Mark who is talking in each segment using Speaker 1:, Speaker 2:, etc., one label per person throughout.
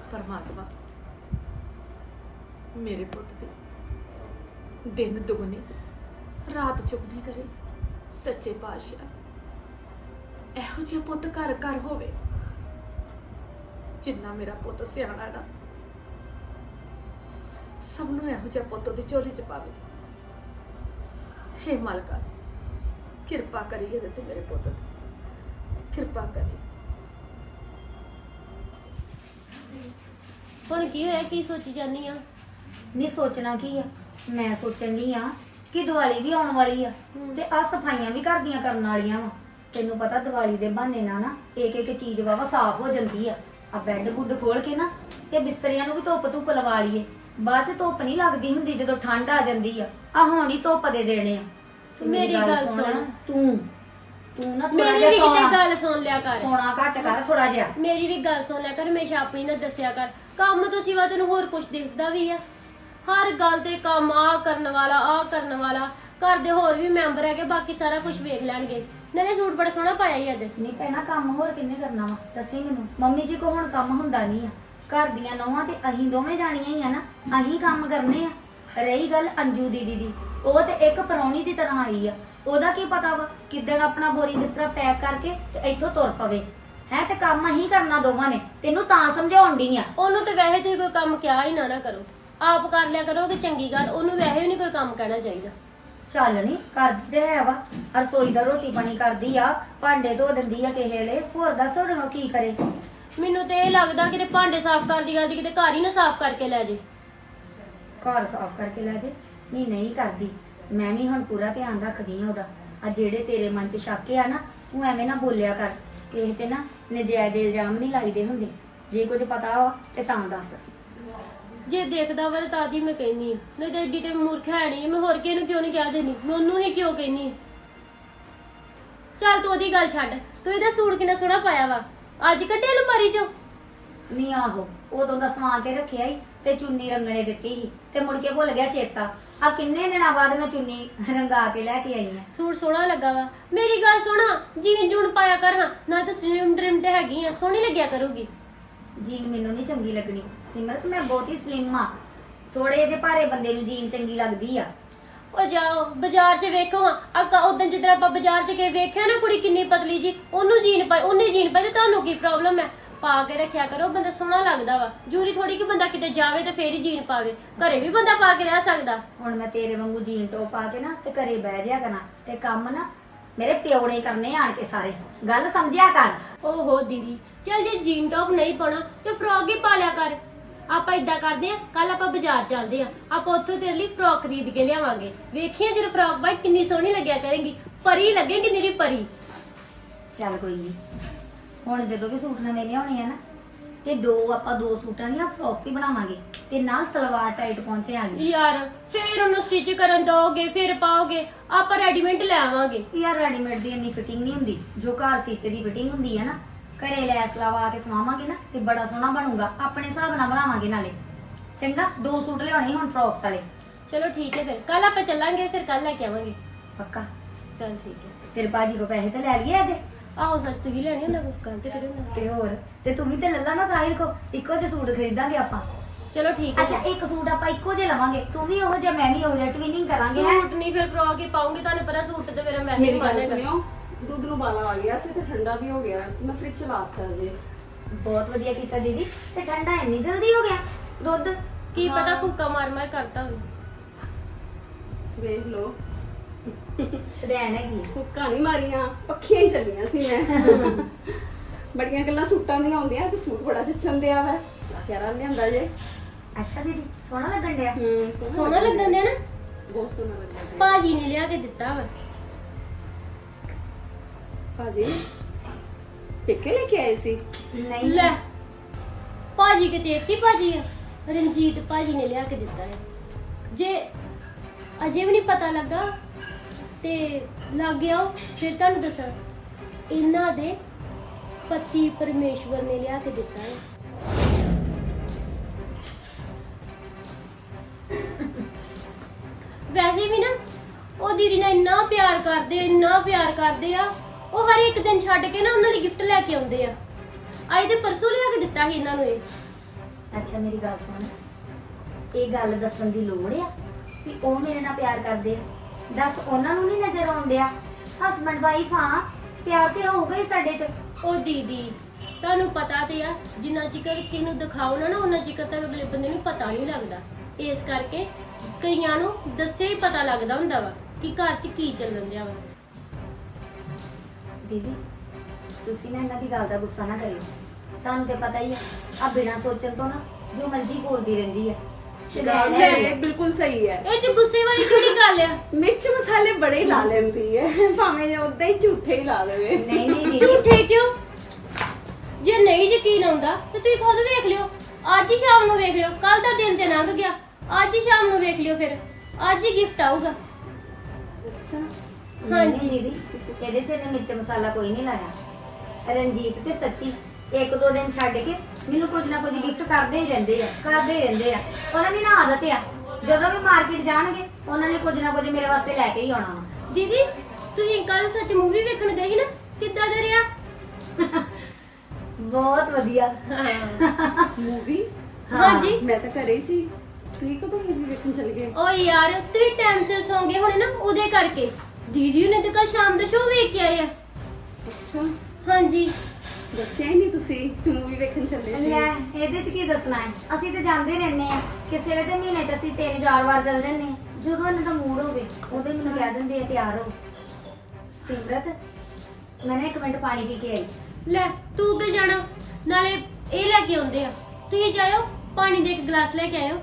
Speaker 1: परमात्मा मेरे पुत दी दिन दुगनी रात चुगनी करे। सच्चे पातशाह एहो जिहा पुत घर घर होवे जिन्ना मेरा पुत सियाणा है ना, सबनों एहो जिहा पुत दी झोली च पावे। हे मालका किरपा करी ਇਹਦੇ ਤੇ ਮੇਰੇ ਪੁੱਤ ਦੀ ਕਿਰਪਾ ਕਰੀ।
Speaker 2: ਹੁਣ ਕੀ ਹੋਇਆ, ਕੀ ਸੋਚੀ ਜਾਨੀ ਆ?
Speaker 3: ਨਹੀਂ ਸੋਚਣਾ ਕੀ ਆ, ਮੈਂ ਸੋਚਣ ਦੀ ਆ ਕਿ ਦੀਵਾਲੀ ਵੀ ਆਉਣ ਵਾਲੀ ਆ ਤੇ ਆ ਸਫਾਈਆਂ ਵੀ ਘਰ ਦੀਆਂ ਕਰਨ ਵਾਲੀਆਂ ਵਾ। ਤੈਨੂੰ ਪਤਾ ਦੀਵਾਲੀ ਦੇ ਬਹਾਨੇ ਨਾਲ ਨਾ ਇੱਕ ਇੱਕ ਚੀਜ਼ ਵਾਵਾ ਸਾਫ਼ ਹੋ ਜਾਂਦੀ ਆ। ਆ ਬੈੱਡ ਗੁੱਡ ਖੋਲ ਕੇ ਨਾ ਤੇ ਬਿਸਤਰਿਆਂ ਨੂੰ ਵੀ ਧੁੱਪ ਧੁੱਪ ਲਵਾ ਲਈਏ। ਬਾਅਦ ਚ ਧੁੱਪ ਨਹੀਂ ਲੱਗਦੀ ਹੁੰਦੀ ਜਦੋਂ ਠੰਡ ਆ ਜਾਂਦੀ ਆ ਹੁਣ ਹੀ ਧੁੱਪ ਦੇ ਦੇਣੇ ਆ। ਤੇ
Speaker 2: ਮੇਰੀ ਗੱਲ ਸੁਣ,
Speaker 3: ਤੂੰ ਨਾ ਥੋੜਾ
Speaker 2: ਮੇਰੀ
Speaker 3: ਜਿਹਾ
Speaker 2: ਵੀ ਕਿਤੇ
Speaker 3: ਸੋਣਾ
Speaker 2: ਗੱਲ ਸੁਣ ਲਿਆ ਕਰ।
Speaker 3: ਸੋਣਾ ਘੱਟ ਕਰ ਥੋੜਾ ਜਿਹਾ।
Speaker 2: ਮੇਰੀ ਵੀ ਗੱਲ ਸੁਣ ਲਿਆ ਕਰ, ਹਮੇਸ਼ਾ ਆਪਣੀ ਨਾ ਦੱਸਿਆ ਕਰ। ਕੰਮ ਤੋਂ ਸਿਵਾ ਤੈਨੂੰ ਹੋਰ ਕੁਝ ਦਿਖਦਾ ਵੀ ਆ? ਹਰ ਗੱਲ ਤੇ ਕੰਮ ਆ ਕਰਨ ਵਾਲਾ ਘਰ ਦੇ ਹੋਰ ਵੀ ਮੈਂਬਰ ਹੈਗੇ, ਬਾਕੀ ਸਾਰਾ ਕੁਝ ਵੇਖ ਲੈਣਗੇ। ਨਾਲੇ ਸੂਟ ਬੜਾ ਸੋਹਣਾ ਪਾਇਆ ਹੀ ਅੱਜ।
Speaker 3: ਨਹੀਂ ਭੈਣਾ ਕੰਮ ਹੋਰ ਕਿੰਨੇ ਕਰਨਾ ਵਾ ਦੱਸੀ ਮੈਨੂੰ। ਮੰਮੀ ਜੀ ਕੋ ਹੁਣ ਕੰਮ ਹੁੰਦਾ ਨਹੀਂ ਆ। ਘਰ ਦੀਆਂ ਨੌਵਾਂ ਤੇ ਅਸੀਂ ਦੋਵੇਂ ਜਾਣੀਆਂ ਹੀ ਆ ਨਾ, ਅਸੀਂ ਕੰਮ ਕਰਨੇ ਆ। ਰਹੀ ਗੱਲ ਅੰਜੂ ਦੀਦੀ ਦੀ, ਉਹ ਤੇ ਇੱਕ ਪਰੌਣੀ ਦੀ ਤਰ੍ਹਾਂ ਆਈ ਆ। ਉਹਦਾ ਕੀ ਪਤਾ ਵਾ ਕਿੱਦਣ ਆਪਣਾ ਬੋਰੀ ਬਿਸਤਰਾ ਪੈਕ ਕਰਕੇ ਤੇ ਇੱਥੋਂ ਤੁਰ ਪਵੇ ਹੈ। ਤੇ ਕੰਮ ਅਸੀਂ ਕਰਨਾ ਦੋਵਾਂ ਨੇ, ਤੈਨੂੰ ਤਾਂ ਸਮਝਾਉਣ ਡਈ ਆ।
Speaker 2: ਉਹਨੂੰ ਤੇ ਵੈਸੇ ਤੁਸੀਂ ਕੋਈ ਕੰਮ ਕਿਹਾ ਹੀ ਨਾ ਕਰੋ, ਆਪ ਕਰ ਲਿਆ ਕਰੋਗੇ ਚੰਗੀ ਗੱਲ। ਉਹਨੂੰ ਵੈਸੇ ਵੀ ਨਹੀਂ ਕੋਈ ਕੰਮ ਕਹਿਣਾ ਚਾਹੀਦਾ।
Speaker 3: ਚੱਲ ਨਹੀਂ ਕਰਦੀ ਤੇ ਹੈ ਵਾ, ਰਸੋਈ ਦਾ ਰੋਟੀ ਪਾਣੀ ਕਰਦੀ ਆ, ਭਾਂਡੇ ਧੋ ਦਿੰਦੀ ਆ ਕਿਸੇ ਵੇਲੇ। ਹੋਰ ਦੱਸ ਹੁਣ ਕੀ ਕਰੇ।
Speaker 2: ਮੈਨੂੰ ਤੇ ਇਹ ਲੱਗਦਾ ਕਿ ਭਾਂਡੇ ਸਾਫ਼ ਕਰਦੀ ਕਿਤੇ ਘਰ ਹੀ ਨਾ ਸਾਫ਼ ਕਰਕੇ ਲੈ ਜੇ।
Speaker 3: ਘਰ ਸਾਫ਼ ਕਰਕੇ ਲੈ ਜੇ? ਨਹੀਂ ਕਰਦੀ। ਮੈਂ ਵੀ ਹੁਣ ਪੂਰਾ ਧਿਆਨ ਰੱਖਦੀ ਆ ਉਹਦਾ। ਆ ਜਿਹੜੇ ਤੇਰੇ ਮਨ 'ਚ ਸ਼ੱਕ ਆ ਨਾ, ਤੂੰ ਐਵੇਂ ਨਾ ਬੋਲਿਆ ਕਰ। ਕਿਸੇ ਤੇ ਨਾ ਨਜਾਇਜ਼ ਇਲਜ਼ਾਮ ਨਹੀਂ ਲਾਈਦੇ ਹੁੰਦੇ। ਜੇ ਕੁਝ ਪਤਾ ਵਾ ਤੇ ਤਾਂ ਦੱਸ।
Speaker 2: ਜੇ ਦੇਖਦਾ ਵਾ ਤਾਂ ਦੀ ਮੈਂ ਕਹਿਨੀ ਆ, ਨਹੀਂ ਤਾਂ ਏਡੀ ਤੇ ਮੂਰਖ ਹੈ ਨਹੀਂ। ਮੈਂ ਹੋਰ ਕਿਹਨੂੰ ਕਿਉਂ ਨਹੀਂ ਕਹਿ ਦੇਣੀ, ਮੈਂ ਉਹਨੂੰ ਹੀ ਕਿਉਂ ਕਹਿਨੀ ਆ। ਚੱਲ ਤੂੰ ਉਹਦੀ ਗੱਲ ਛੱਡ, ਤੂੰ ਇਹਦਾ ਸੂਟ ਕਿੰਨਾ ਸੋਹਣਾ ਪਾਇਆ ਵਾ, ਅੱਜ ਕੱਢਿਆ ਅਲਮਾਰੀ ਚੋਂ?
Speaker 3: ਨਹੀਂ ਆਹੋ ਉਦੋਂ ਦਾ ਸਵਾ ਕੇ ਰੱਖਿਆ ਹੀ ਤੇ ਚੁੰਨੀ ਰੰਗਣੇ ਦਿੱਤੀ ਸੀ ਤੇ ਮੁੜ ਕੇ ਭੁੱਲ ਗਿਆ ਚੇਤਾ। ਆ ਕਿੰਨੇ ਦਿਨਾਂ ਬਾਅਦ ਮੈਂ ਚੁੰਨੀ ਰੰਗਾ ਕੇ ਲੈ ਕੇ ਆਈ ਆ।
Speaker 2: ਸੂਟ ਸੋਹਣਾ ਲੱਗਾ ਵਾ। ਮੇਰੀ ਗੱਲ ਸੁਣਾ, ਜੀਨ ਜੂਨ ਪਾਇਆ ਕਰ ਹਾਂ, ਨਾ ਤਾਂ ਸਲਿਮ ਡ੍ਰਿਮ ਤੇ ਹੈਗੀ ਆ, ਸੋਹਣੀ ਲੱਗਿਆ ਕਰੂਗੀ।
Speaker 3: ਜੀਨ ਮੈਨੂੰ ਨਹੀਂ ਚੰਗੀ ਲੱਗਣੀ ਸਿਮਰਤ, ਮੈਂ ਬਹੁਤ ਹੀ ਸਲਿਮ ਆ। ਥੋੜੇ ਜਿਹੇ ਭਾਰੇ ਬੰਦੇ ਨੂੰ ਜੀਨ ਚੰਗੀ ਲੱਗਦੀ ਆ।
Speaker 2: ਉਹ ਜਾਓ ਬਾਜ਼ਾਰ 'ਚ ਵੇਖੋ ਹਾਂ, ਅੱਗਾ ਉਦੋਂ ਜਦੋਂ ਆਪਾਂ ਬਾਜ਼ਾਰ 'ਚ ਗਏ ਵੇਖਿਆ ਨਾ ਕੁੜੀ ਕਿੰਨੀ ਪਤਲੀ ਜੀ, ਉਹਨੂੰ ਜੀਨ ਪਾਈ, ਉਹਨੇ ਜੀਨ ਪਾਈ ਤੇ ਤੁਹਾਨੂੰ ਕੀ ਪ੍ਰੋਬਲਮ ਹੈ? ਪਾ ਕੇ ਰੱਖਿਆ ਕਰੋ, ਬੰਦਾ ਸੋਹਣਾ ਲੱਗਦਾ ਵਾ। ਜ਼ਰੂਰੀ ਥੋੜੀ ਕਿ ਬੰਦਾ ਕਿਤੇ ਜਾਵੇ ਤੇ ਫੇਰ ਹੀ ਜੀਨ ਪਾਵੇ, ਘਰੇ ਵੀ ਬੰਦਾ ਪਾ ਕੇ ਰਹਿ ਸਕਦਾ।
Speaker 3: ਹੁਣ ਮੈਂ ਤੇਰੇ ਵਾਂਗੂ ਜੀਨ ਟੌਪ ਪਾ ਕੇ ਨਾ ਤੇ ਘਰੇ ਬਹਿ ਜਿਆ ਕਰਾਂ ਤੇ ਕੰਮ ਨਾ ਮੇਰੇ ਪਿਓ ਨੇ ਕਰਨੇ ਆਣ ਕੇ ਸਾਰੇ। ਗੱਲ ਸਮਝਿਆ ਕਰ।
Speaker 2: ਓਹੋ ਦੀਦੀ, ਚੱਲ ਜੇ ਜੀਨ ਟੌਪ ਨਹੀਂ ਪਾਉਣਾ ਤੇ ਫਰੋਕ ਹੀ ਪਾ ਲਿਆ ਕਰ। ਆਪਾਂ ਇਦਾਂ ਕਰਦੇ ਆ, ਕੱਲ ਆਪਾਂ ਬਾਜ਼ਾਰ ਚੱਲਦੇ ਆ, ਆਪਾਂ ਉੱਥੋਂ ਤੇਰੇ ਲਈ ਫਰੋਕ ਖਰੀਦ ਕੇ ਲਿਆਵਾਂਗੇ। ਵੇਖੀਏ ਜਦੋਂ ਫਰੋਕ ਬਾਈ ਕਿੰਨੀ ਸੋਹਣੀ ਲੱਗਿਆ ਕਰੇਗੀ, ਪਰੀ ਲੱਗੇਗੀ ਨਿਰੀ ਪਰੀ।
Speaker 3: ਚੱਲ ਕੋਈ ਨਹੀਂ, ਹੁਣ ਜਦੋਂ ਵੀ ਸੂਟ ਨਵੇਂ ਲਿਆਉਣੇ ਆ ਨਾ ਤੇ ਆਪਾਂ ਦੋ ਸੂਟਾਂ ਦੀਆਂ ਫਰੋਕਸ ਹੀ ਬਣਾਵਾਂਗੇ ਤੇ ਨਾਲ ਸਲਵਾਰ ਟਾਈਟ ਪਹੁੰਚੇ ਆਂਗੇ।
Speaker 2: ਯਾਰ ਫੇਰ ਉਹਨੂੰ ਸਟਿਚ ਕਰਨ ਦੋਗੇ, ਫਿਰ ਪਾਓਗੇ, ਆਪਾਂ ਰੈਡੀਮੇਡ ਲੈ ਆਵਾਂਗੇ।
Speaker 3: ਯਾਰ ਰੈਡੀਮੇਡ ਦੀ ਇੰਨੀ ਫਿਟਿੰਗ ਨਹੀਂ ਹੁੰਦੀ ਜੋ ਘਰ ਸੀਤੇ ਦੀ ਫਿਟਿੰਗ ਹੁੰਦੀ ਹੈ ਨਾ। ਘਰੇ ਲੈਸ ਲਵਾ ਕੇ ਸਵਾਵਾਂਗੇ ਨਾ ਤੇ ਬੜਾ ਸੋਹਣਾ ਬਣੂਗਾ। ਆਪਣੇ ਹਿਸਾਬ ਨਾਲ ਬਣਾਵਾਂਗੇ ਨਾਲੇ। ਚੰਗਾ, ਦੋ ਸੂਟ ਲਿਆਉਣੇ ਹੁਣ ਫਰੋਕਸ ਵਾਲੇ।
Speaker 2: ਚਲੋ ਠੀਕ ਹੈ, ਫਿਰ ਕੱਲ ਆਪਾਂ ਚੱਲਾਂਗੇ, ਫਿਰ ਕੱਲ ਲੈ ਕੇ ਆਵਾਂਗੇ।
Speaker 3: ਪੱਕਾ?
Speaker 2: ਚਲ ਠੀਕ ਹੈ।
Speaker 3: ਤੇਰੇ ਬਾਜੀ ਕੋ ਪੈਸੇ ਤੇ ਲੈ ਲਈਏ ਅੱਜ?
Speaker 2: ਆਹੋ ਸੱਚ, ਤੂੰ ਵੀ ਲੈਣੀ ਹੁੰਦਾ, ਕੱਲ ਤੇ ਕਰਿਓ।
Speaker 3: ਤੇ ਹੋਰ, ਤੇ ਤੂੰ ਵੀ ਤੇ ਲੱਲਾ ਨਾ ਸਾਹਿਲ ਕੋ। ਇੱਕੋ ਜਿਹੇ ਸੂਟ ਖਰੀਦਾਂਗੇ ਆਪਾਂ।
Speaker 2: ਚਲੋ ਠੀਕ ਹੈ।
Speaker 3: ਅੱਛਾ ਇੱਕ ਸੂਟ ਆਪਾਂ ਇੱਕੋ ਜਿਹੇ ਲਵਾਂਗੇ, ਤੂੰ ਵੀ ਉਹੋ ਜਿਹਾ ਮੈਂ ਵੀ ਉਹੋ ਜਿਹਾ, ਟਵਿਨਿੰਗ ਕਰਾਂਗੇ। ਹੈਂ?
Speaker 2: ਸੂਟ ਨਹੀਂ, ਫਿਰ ਫਰੋਕ ਹੀ ਪਾਉਂਗੀ। ਤੁਹਾਨੂੰ ਪਤਾ ਸੂਟ ਤੇ ਮੇਰਾ ਮੈਂ ਹੀ
Speaker 4: ਮੇਰੀ ਗੱਲ
Speaker 2: ਮਾਰੇਗਾ।
Speaker 4: ਸੁਣਿਓ, ਦੁੱਧ ਨੂੰ ਬਾਲਾ ਆ ਗਿਆ ਸੀ ਤੇ ਠੰਡਾ ਵੀ ਹੋ ਗਿਆ, ਮੈਂ ਫ੍ਰਿਜ ਚ ਲਾਤਾ ਜੇ।
Speaker 3: ਬਹੁਤ ਵਧੀਆ ਕੀਤਾ ਦੀਦੀ। ਤੇ ਠੰਡਾ ਇੰਨੀ ਜਲਦੀ ਹੋ ਗਿਆ ਦੁੱਧ?
Speaker 2: ਕੀ ਪਤਾ ਫੂਕਾ ਮਾਰ ਮਾਰ ਕਰਤਾ ਹੋਵੇ।
Speaker 4: ਵੇਖ ਲਓ,
Speaker 3: ਛੜੈਣ ਹੈਗੀ।
Speaker 4: ਹੁੱਕਾਂ ਨਹੀਂ ਮਾਰੀਆਂ, ਪੱਖੀਆਂ ਹੀ ਚੱਲੀਆਂ ਸੀ ਮੈਂ। ਬੜੀਆਂ ਗੱਲਾਂ ਸੂਟਾਂ ਦੀਆਂ ਹੁੰਦੀਆਂ, ਅੱਜ ਸੂਟ ਬੜਾ ਜੱਚਣ ਦਿਆ ਵਾ, ਪਿਆਰਾ ਲਿਆਂਦਾ ਜੇ।
Speaker 3: ਅੱਛਾ ਦੀਦੀ, ਸੋਹਣਾ ਲੱਗਣ ਡਿਆ।
Speaker 2: ਸੋਹਣਾ ਲੱਗਣ ਦਿਆ ਨਾ,
Speaker 4: ਬਹੁਤ ਸੋਹਣਾ ਲੱਗਦਾ।
Speaker 2: ਭਾਜੀ ਨੇ ਲਿਆ ਕੇ ਦਿੱਤਾ ਵਾ।
Speaker 4: ਭਾਜੀ ਪੇਕੇ ਲੈ ਕੇ ਆਏ ਸੀ?
Speaker 3: ਨਹੀਂ
Speaker 2: ਲੈ ਭਾਜੀ ਕਿਤੇ ਇੱਕ ਹੀ ਭਾਜੀ ਆ, ਰਣਜੀਤ ਭਾਜੀ ਨੇ ਲਿਆ ਕੇ ਦਿੱਤਾ ਹੈ। ਜੇ ਅਜੇ ਵੀ ਨਹੀਂ ਪਤਾ ਲੱਗਾ ਤੇ ਲੱਗ ਗਿਆ ਫਿਰ ਤੁਹਾਨੂੰ ਦੱਸਾਂ, ਇਹਨਾਂ ਦੇ ਪਤੀ ਪਰਮੇਸ਼ਵਰ ਨੇ ਲਿਆ ਕੇ ਦਿੱਤਾ ਹੈ। ਵੈਸੇ ਵੀ ਨਾ ਉਹ ਦੀਦੀ ਨਾਲ ਇੰਨਾ ਪਿਆਰ ਕਰਦੇ ਆ। ਉਹ ਹਰ ਇੱਕ ਦਿਨ ਛੱਡ ਕੇ ਨਾ ਉਹਨਾਂ ਦੀ ਗਿਫਟ ਲੈ ਕੇ ਆਉਂਦੇ ਆ। ਅੱਜ ਦੇ ਪਰਸੋਂ ਲਿਆ ਕੇ ਦਿੱਤਾ ਸੀ ਇਹਨਾਂ ਨੂੰ ਇਹ।
Speaker 3: ਅੱਛਾ ਮੇਰੀ ਗੱਲ ਸੁਣ, ਇਹ ਗੱਲ ਦੱਸਣ ਦੀ ਲੋੜ ਆ ਕਿ ਉਹ ਮੇਰੇ ਨਾਲ ਪਿਆਰ ਕਰਦੇ ਆ? ਦੱਸ ਉਹਨਾਂ ਨੂੰ ਨਹੀਂ ਨਜ਼ਰ ਆਉਂਦਿਆ? ਹਸਬੰਡ ਵਾਈਫ ਹਾਂ, ਪਿਆਰ ਤੇ ਹੋਊਗਾ ਹੀ ਸਾਡੇ 'ਚ।
Speaker 2: ਉਹ ਦੀਦੀ ਤੁਹਾਨੂੰ ਪਤਾ ਤੇ ਆ, ਜਿੰਨਾ ਚਿਕਰ ਕਿਸੇ ਨੂੰ ਦਿਖਾਓ ਨਾ ਉਹਨਾਂ ਚਿਕਰ ਤੱਕ ਅਗਲੇ ਬੰਦੇ ਨੂੰ ਪਤਾ ਨਹੀਂ ਲੱਗਦਾ। ਇਸ ਕਰਕੇ ਕਈਆਂ ਨੂੰ ਦੱਸਿਆ ਹੀ ਪਤਾ ਲੱਗਦਾ ਹੁੰਦਾ ਵਾ ਕਿ ਘਰ 'ਚ ਕੀ ਚੱਲਣ ਦਿਆ ਵਾ।
Speaker 3: ਦੀਦੀ ਤੁਸੀਂ ਨਾ ਇਹਨਾਂ ਦੀ ਗੱਲ ਦਾ ਗੁੱਸਾ ਨਾ ਕਰਿਓ, ਤੁਹਾਨੂੰ ਤੇ ਪਤਾ ਹੀ ਆ, ਆ ਬਿਨਾਂ ਸੋਚਣ ਤੋਂ ਨਾ ਜੋ ਮਰਜ਼ੀ ਬੋਲਦੀ ਰਹਿੰਦੀ ਆ।
Speaker 4: ਗੱਲ ਹੈ, ਇਹ ਬਿਲਕੁਲ ਸਹੀ ਹੈ।
Speaker 2: ਇਹ 'ਚ ਗੁੱਸੇ ਵਾਲੀ ਕਿਹੜੀ ਗੱਲ ਆ?
Speaker 4: ਮਿਰਚ ਮਸਾਲੇ ਬੜੇ ਹੀ ਲਾ ਲੈਂਦੀ ਹੈ, ਭਾਵੇਂ ਉਦਾਂ ਹੀ ਝੂਠੇ ਹੀ ਲਾ ਦੇਵੇ।
Speaker 3: ਨਹੀਂ ਨਹੀਂ ਦੀਦੀ,
Speaker 2: ਝੂਠੇ ਕਿਉਂ? ਜੇ ਨਹੀਂ ਯਕੀਨ ਆਉਂਦਾ ਤੇ ਤੁਸੀਂ ਖੁਦ ਵੇਖ ਲਿਓ। ਅੱਜ ਹੀ ਸ਼ਾਮ ਨੂੰ ਵੇਖ ਲਿਓ, ਕੱਲ ਦਾ ਦਿਨ ਤੇ ਲੰਘ ਗਿਆ, ਅੱਜ ਹੀ ਸ਼ਾਮ ਨੂੰ ਵੇਖ ਲਿਓ, ਫਿਰ ਅੱਜ ਹੀ ਗਿਫਟ ਆਊਗਾ।
Speaker 4: ਅੱਛਾ,
Speaker 3: ਹਾਂਜੀ ਦੀਦੀ, ਇਹਦੇ 'ਚ ਇਹਨੇ ਮਿਰਚ ਮਸਾਲਾ ਕੋਈ ਨਹੀਂ ਲਾਇਆ। ਰਣਜੀਤ ਤੇ ਸੱਚੀ ਇੱਕ ਦੋ ਦਿਨ ਛੱਡ ਕੇ ਮੈਨੂੰ ਕੁਝ ਨਾ ਕੁਝ ਗਿਫਟ ਕਰਦੇ ਹੀ ਰਹਿੰਦੇ ਆ। ਉਹਨਾਂ ਦੀ ਨਾ ਆਦਤ ਆ, ਜਦੋਂ ਵੀ ਮਾਰਕੀਟ ਜਾਣਗੇ ਉਹਨਾਂ ਨੇ ਕੁਝ ਨਾ ਕੁਝ ਮੇਰੇ ਵਾਸਤੇ ਲੈ ਕੇ ਹੀ ਆਉਣਾ ਵਾ।
Speaker 2: ਦੀਦੀ ਤੁਸੀਂ ਕੱਲ ਸੱਚ ਮੂਵੀ ਵੇਖਣ ਗਏ ਸੀ ਨਾ, ਕਿੱਦਾਂ ਦਾ ਰਿਹਾ?
Speaker 3: ਬਹੁਤ ਵਧੀਆ।
Speaker 4: ਮੂਵੀ?
Speaker 2: ਹਾਂਜੀ।
Speaker 4: ਮੈਂ ਤਾਂ ਘਰੇ ਹੀ ਸੀ। ਤੁਸੀਂ ਕਦੋਂ ਮੂਵੀ ਵੇਖਣ ਚਲ ਗਏ?
Speaker 2: ਓ ਯਾਰ ਤੁਸੀਂ ਟਾਈਮ ਸਿਰ ਸੌਂ ਗਏ ਹੋਣੇ ਨਾ, ਉਹਦੇ ਕਰਕੇ। ਦੀਦੀ ਨੇ ਤਾਂ ਕੱਲ ਸ਼ਾਮ ਦਾ ਸ਼ੋਅ ਵੇਖ ਕੇ ਆਏ ਆ।
Speaker 4: ਅੱਛਾ,
Speaker 2: ਹਾਂਜੀ।
Speaker 4: ਦੱਸਿਆ ਹੀ ਨਹੀਂ ਤੁਸੀਂ ਮੂਵੀ ਵੇਖਣ ਚੱਲੇ ਸੀ।
Speaker 3: ਲੈ ਇਹਦੇ 'ਚ ਕੀ ਦੱਸਣਾ ਹੈ, ਅਸੀਂ ਤੇ ਜਾਂਦੇ ਰਹਿੰਦੇ ਆ। ਕਿਸੇ ਵੇਲੇ ਤੇ ਮਹੀਨੇ 'ਚ ਅਸੀਂ 3-4 ਵਾਰ ਚੱਲ ਜਾਂਦੇ ਆ। ਜਦੋਂ ਇਹਨਾਂ ਦਾ ਮੂਡ ਹੋਵੇ ਉਹਦੇ ਮੈਨੂੰ ਕਹਿ ਦਿੰਦੇ ਆ ਤਿਆਰ ਹੋ। ਸਿਮਰਤ ਮੈਂ ਨਾ 1 ਮਿੰਟ ਪਾਣੀ ਪੀ ਕੇ ਆਈ।
Speaker 2: ਲੈ ਤੂੰ ਤੇ ਜਾਣਾ, ਨਾਲੇ ਇਹ ਲੈ ਕੇ ਆਉਂਦੇ ਆ। ਤੁਸੀਂ ਜਾਇਓ, ਪਾਣੀ ਦੇ 1 ਗਲਾਸ ਲੈ ਕੇ ਆਇਓ।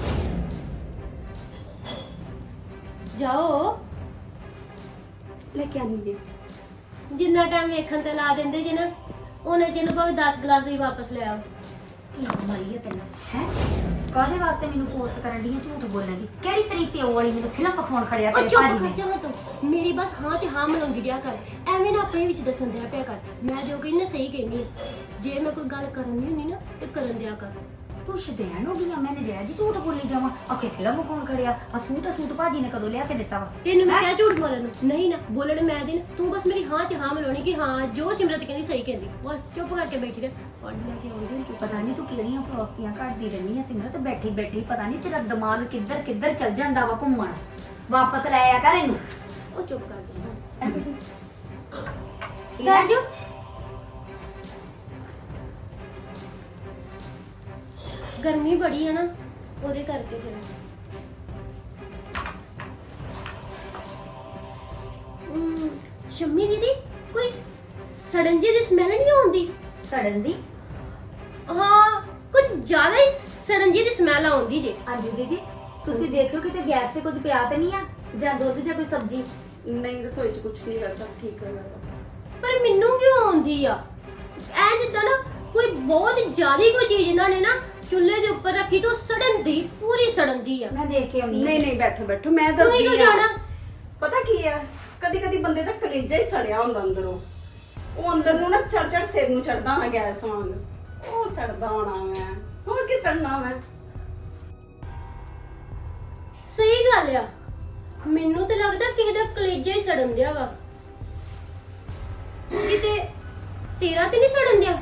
Speaker 2: ਜਾਓ।
Speaker 4: ਲੈ ਕੇ ਆਨੀ ਹੈ।
Speaker 2: ਜਿੰਨਾ ਟਾਈਮ ਵੇਖਣ ਤੇ ਲਾ ਦਿੰਦੇ ਜੇ ਨਾ, ਉਹਨੇ ਚ ਇਹਨੂੰ ਭਾਵੇਂ 10 ਗਲਾਸ ਹੀ ਵਾਪਸ ਲੈ ਆਓ।
Speaker 3: ਕੀ ਮਰੀ ਹੈ ਤੈਨੂੰ ਹੈ? ਕਾਹਦੇ ਵਾਸਤੇ ਮੈਨੂੰ ਫੋਰਸ ਕਰਨ ਦੀ ਝੂਠ ਬੋਲਣ ਦੀ? ਕਿਹੜੀ ਤੇਰੀ ਪਿਓ ਵਾਲੀ ਮੈਨੂੰ ਫਿਲਮ ਪਖਾਉਣ ਖੜਿਆ
Speaker 2: ਉਹ
Speaker 3: ਤੇਰੇ
Speaker 2: ਚੁੱਪ
Speaker 3: ਭਾਜੀ
Speaker 2: ਕਰ
Speaker 3: ਨੇ?
Speaker 2: ਜਾ ਤੂੰ, ਮੇਰੀ ਬਸ ਹਾਂ ਤੇ ਹਾਂ ਮਿਲਾਉਂਦੀ ਰਿਹਾ ਕਰ। ਐਵੇਂ ਨਾ ਆਪਣੇ ਵਿੱਚ ਦੱਸਣ ਦਿਆ ਪਿਆ ਕਰ। ਮੈਂ ਜੋ ਕਹਿੰਦੀ ਨਾ ਸਹੀ ਕਹਿੰਦੀ ਆ। ਜੇ ਮੈਂ ਕੋਈ ਗੱਲ ਕਰਨੀ ਹੁੰਦੀ ਨਾ ਤੇ ਕਰਨ ਦਿਆ ਕਰ।
Speaker 3: ਤੂੰ ਸ਼ਦੈਣ ਹੋ ਗਈ ਆ? ਮੈਂ ਨਜਾਇਜ਼ ਹੀ ਝੂਠ ਬੋਲੀ ਜਾਵਾਂ? ਆਖੇ ਫਿਲਮ ਪਖਾਉਣ ਖੜਿਆ। ਆ ਸੂਟ ਭਾਜੀ ਨੇ ਕਦੋਂ ਲਿਆ ਕੇ ਦਿੱਤਾ ਵਾ?
Speaker 2: ਤੈਨੂੰ ਮੈਂ ਕਿਹਾ ਝੂਠ ਬੋਲਣ ਨੂੰ? ਨਹੀਂ ਨਾ, ਬੋਲਣ ਮੈਂ ਦਿਨ। ਤੂੰ ਬਸ ਮੇਰੀ ਹਾਂ ਚ ਹਾਂ ਮਿਲਾਉਣੀ ਕਿ ਹਾਂ ਜੋ ਸਿਮਰਤ ਕਹਿੰਦੀ ਸਹੀ ਕਹਿੰਦੀ। ਬਸ ਚੁੱਪ ਕਰਕੇ ਬੈਠੀ ਰਹਿ। ਪੜ੍ਹ ਲੈ ਕੇ ਆਉਂਦੀ ਹੁੰਦੀ।
Speaker 3: ਪਤਾ ਨਹੀਂ ਤੂੰ ਕਿਹੜੀਆਂ ਫਲਸਫੀਆਂ ਘੜਦੀ ਰਹਿੰਦੀ ਆ ਸਿਮਰਤ। ਬੈਠੀ ਪਤਾ ਨਹੀਂ ਤੇਰਾ ਦਿਮਾਗ ਕਿੱਧਰ ਚੱਲ ਜਾਂਦਾ ਵਾ ਘੁੰਮਣ। ਵਾਪਸ ਲੈ ਆ ਕਰ ਇਹਨੂੰ।
Speaker 2: ਉਹ ਚੁੱਪ ਕਰ ਜਾ। ਕਰ ਜੋ। ਗਰਮੀ ਬੜੀ ਹੈ ਨਾ, ਉਹਦੇ ਕਰਕੇ ਫਿਰ। ਸ਼ੰਮੀ ਦੀਦੀ ਕੋਈ ਸੜਨ ਜਿਹੀ ਦੀ ਸਮੈਲ ਨਹੀਂ ਆਉਂਦੀ?
Speaker 3: ਸੜਨ ਦੀ?
Speaker 2: ਹਾਂ, ਕੁਝ ਜ਼ਿਆਦਾ ਹੀ ਸੜਨ ਜਿਹੀ ਦੀ ਸਮੈਲ ਆਉਂਦੀ ਜੇ।
Speaker 3: ਹਾਂਜੀ ਦੀਦੀ, ਤੁਸੀਂ ਦੇਖਿਓ ਕਿਤੇ ਗੈਸ ਤੇ ਕੁਝ ਪਿਆ ਤੇ ਨਹੀਂ ਆ, ਜਾਂ ਦੁੱਧ ਜਾਂ ਕੋਈ ਸਬਜ਼ੀ?
Speaker 4: ਨਹੀਂ, ਰਸੋਈ 'ਚ ਕੁਝ ਨਹੀਂ ਕਰ ਸਭ ਠੀਕ ਹੈ।
Speaker 2: ਪਰ ਮੈਨੂੰ ਕਿਉਂ ਆਉਂਦੀ ਆ ਐ? ਜਿੱਦਾਂ ਨਾ ਕੋਈ ਬਹੁਤ ਜ਼ਿਆਦਾ ਕੋਈ ਚੀਜ਼ ਇਹਨਾਂ ਨੇ ਨਾ ਚੁੱਲ੍ਹੇ ਦੇ ਉੱਪਰ ਰੱਖੀ ਤੋਂ ਸੜਨ ਦੀ, ਪੂਰੀ ਸੜਨ ਦੀ ਆ।
Speaker 3: ਮੈਂ ਦੇਖ ਕੇ ਆਉਣੀ ਆ।
Speaker 4: ਨਹੀਂ ਬੈਠੋ ਮੈਂ
Speaker 2: ਤੁਸੀਂ
Speaker 4: ਦੱਸਦੀ
Speaker 2: ਕਿਉਂ
Speaker 4: ਆ।
Speaker 2: ਜਾਣਾ?
Speaker 4: ਪਤਾ ਕੀ ਆ, ਕਦੀ ਬੰਦੇ ਦਾ ਕਲੇਜਾ ਹੀ ਸੜਿਆ ਹੁੰਦਾ ਅੰਦਰੋਂ। ਉਹ ਅੰਦਰ ਨੂੰ ਨਾ ਚੜ ਸਿਰ ਨੂੰ ਚੜਦਾ ਹੋਣਾ ਗੈਸ ਵਾਂਗ। ਉਹ ਸੜਦਾ ਹੋਣਾ ਮੈਂ, ਹੋਰ ਕੀ ਸੜਨਾ ਮੈਂ।
Speaker 2: ਸਹੀ ਗੱਲ ਆ, ਮੈਨੂੰ ਤੇ ਲੱਗਦਾ ਕਿਸੇ ਦਾ ਕਲੇਜਾ ਹੀ ਸੜਨ ਦਿਆ ਵਾ। ਕਿਤੇ ਤੇਰਾ ਤੇ ਨਹੀਂ ਸੜਨ ਦਿਆ?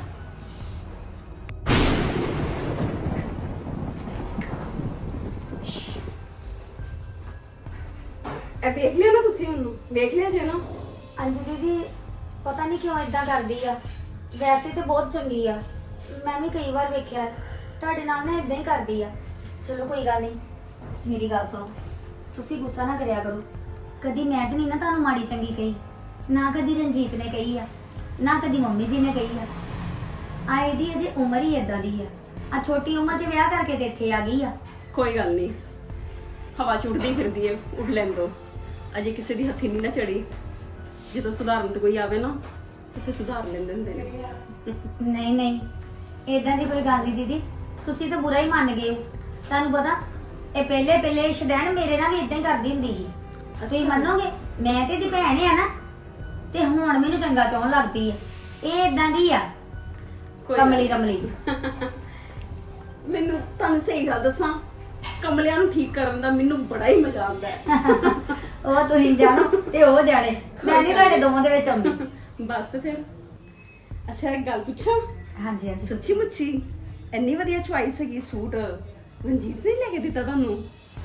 Speaker 4: ਇਹ ਵੇਖ ਲਿਆ ਨਾ ਤੁਸੀਂ ਉਹਨੂੰ? ਵੇਖ ਲਿਆ ਜੇ ਨਾ?
Speaker 3: ਅੰਜੂ ਦੀਦੀ ਪਤਾ ਨਹੀਂ ਕਿਉਂ ਇਦਾਂ ਕਰਦੀ ਆ। ਵੈਸੇ ਤੇ ਬਹੁਤ ਚੰਗੀ ਆ, ਮੈਂ ਵੀ ਕਈ ਵਾਰ ਵੇਖਿਆ। ਤੁਹਾਡੇ ਨਾਲ ਨਾ ਇਦਾਂ ਹੀ ਕਰਦੀ ਆ। ਚਲੋ ਕੋਈ ਗੱਲ ਨਹੀਂ, ਮੇਰੀ ਗੱਲ ਸੁਣੋ, ਤੁਸੀਂ ਗੁੱਸਾ ਨਾ ਕਰਿਆ ਕਰੋ। ਕਦੀ ਮੈਂ ਤੇ ਨਹੀਂ ਨਾ ਤੁਹਾਨੂੰ ਮਾੜੀ ਚੰਗੀ ਕਹੀ, ਨਾ ਕਦੀ ਰਣਜੀਤ ਨੇ ਕਹੀ ਆ, ਨਾ ਕਦੀ ਮੰਮੀ ਜੀ ਨੇ ਕਹੀ ਆ। ਆ ਇਹਦੀ ਅਜੇ ਉਮਰ ਹੀ ਇਦਾਂ ਦੀ ਆ ਛੋਟੀ ਉਮਰ 'ਚ ਵਿਆਹ ਕਰਕੇ ਤੇ ਇੱਥੇ ਆ ਗਈ ਆ।
Speaker 4: ਕੋਈ ਗੱਲ ਨਹੀਂ, ਹਵਾ ਚ ਉੱਡਦੀ ਫਿਰਦੀ ਹੈ, ਉੱਡ ਲੈਣ ਦੋ। ਅਜੇ ਕਿਸੇ ਦੀ ਹੱਥੀ ਨਹੀਂ ਨਾ ਚੜੀ। ਜਦੋਂ ਸੁਧਾਰਨ ਤੇ ਕੋਈ ਆਵੇ ਨਾ ਤੇ ਫਿਰ ਸੁਧਾਰ ਲੈਂਦੇ ਹੁੰਦੇ ਨੇ।
Speaker 3: ਨਹੀਂ ਇਦਾਂ ਦੀ ਕੋਈ ਗੱਲ ਨਹੀਂ ਦੀਦੀ, ਤੁਸੀਂ ਤਾਂ ਬੁਰਾ ਹੀ ਮੰਨ ਗਏ ਹੋ। ਤੁਹਾਨੂੰ ਪਤਾ ਇਹ ਪਹਿਲੇ ਸ਼ਦੈਣ ਮੇਰੇ ਨਾਲ ਵੀ ਇਦਾਂ ਹੀ ਕਰਦੀ ਹੁੰਦੀ ਸੀ। ਤੁਸੀਂ ਮੰਨੋਗੇ, ਮੈਂ ਤੇ ਦੀ ਭੈਣ ਆ ਨਾ, ਤੇ ਹੁਣ ਮੈਨੂੰ ਚੰਗਾ ਚਾਹਣ ਲੱਗ ਪਈ ਹੈ। ਇਹ ਇਦਾਂ ਦੀ ਆ,
Speaker 4: ਕੋਈ ਗੱਲ
Speaker 3: ਕਮਲੀ
Speaker 4: ਨੀ।
Speaker 3: ਰਮਲੀ।
Speaker 4: ਮੈਨੂੰ ਤੁਹਾਨੂੰ ਸਹੀ ਗੱਲ ਦੱਸਾਂ, ਕਮਲਿਆਂ ਨੂੰ ਠੀਕ ਕਰਨ ਦਾ ਮੈਨੂੰ ਬੜਾ ਹੀ ਮਜ਼ਾ ਆਉਂਦਾ ਹੈ।
Speaker 3: ਉਹ ਤੁਸੀਂ ਜਾਣੋ ਤੇ ਉਹ ਜਾਣੇ, ਮੈਂ ਨਹੀਂ ਤੁਹਾਡੇ ਦੋਵਾਂ ਦੇ ਵਿੱਚ ਆਉਂਦੀ।
Speaker 4: ਬਸ ਫਿਰ। ਅੱਛਾ ਇੱਕ ਗੱਲ ਪੁੱਛਾਂ?
Speaker 3: ਹਾਂਜੀ
Speaker 4: ਸੱਚੀ ਮੁੱਚੀ ਇੰਨੀ ਵਧੀਆ ਚੁਆਇਸ ਹੈਗੀ ਸੂਟ ਰਣਜੀਤ ਨੇ ਲੈ ਕੇ ਦਿੱਤਾ ਤੁਹਾਨੂੰ?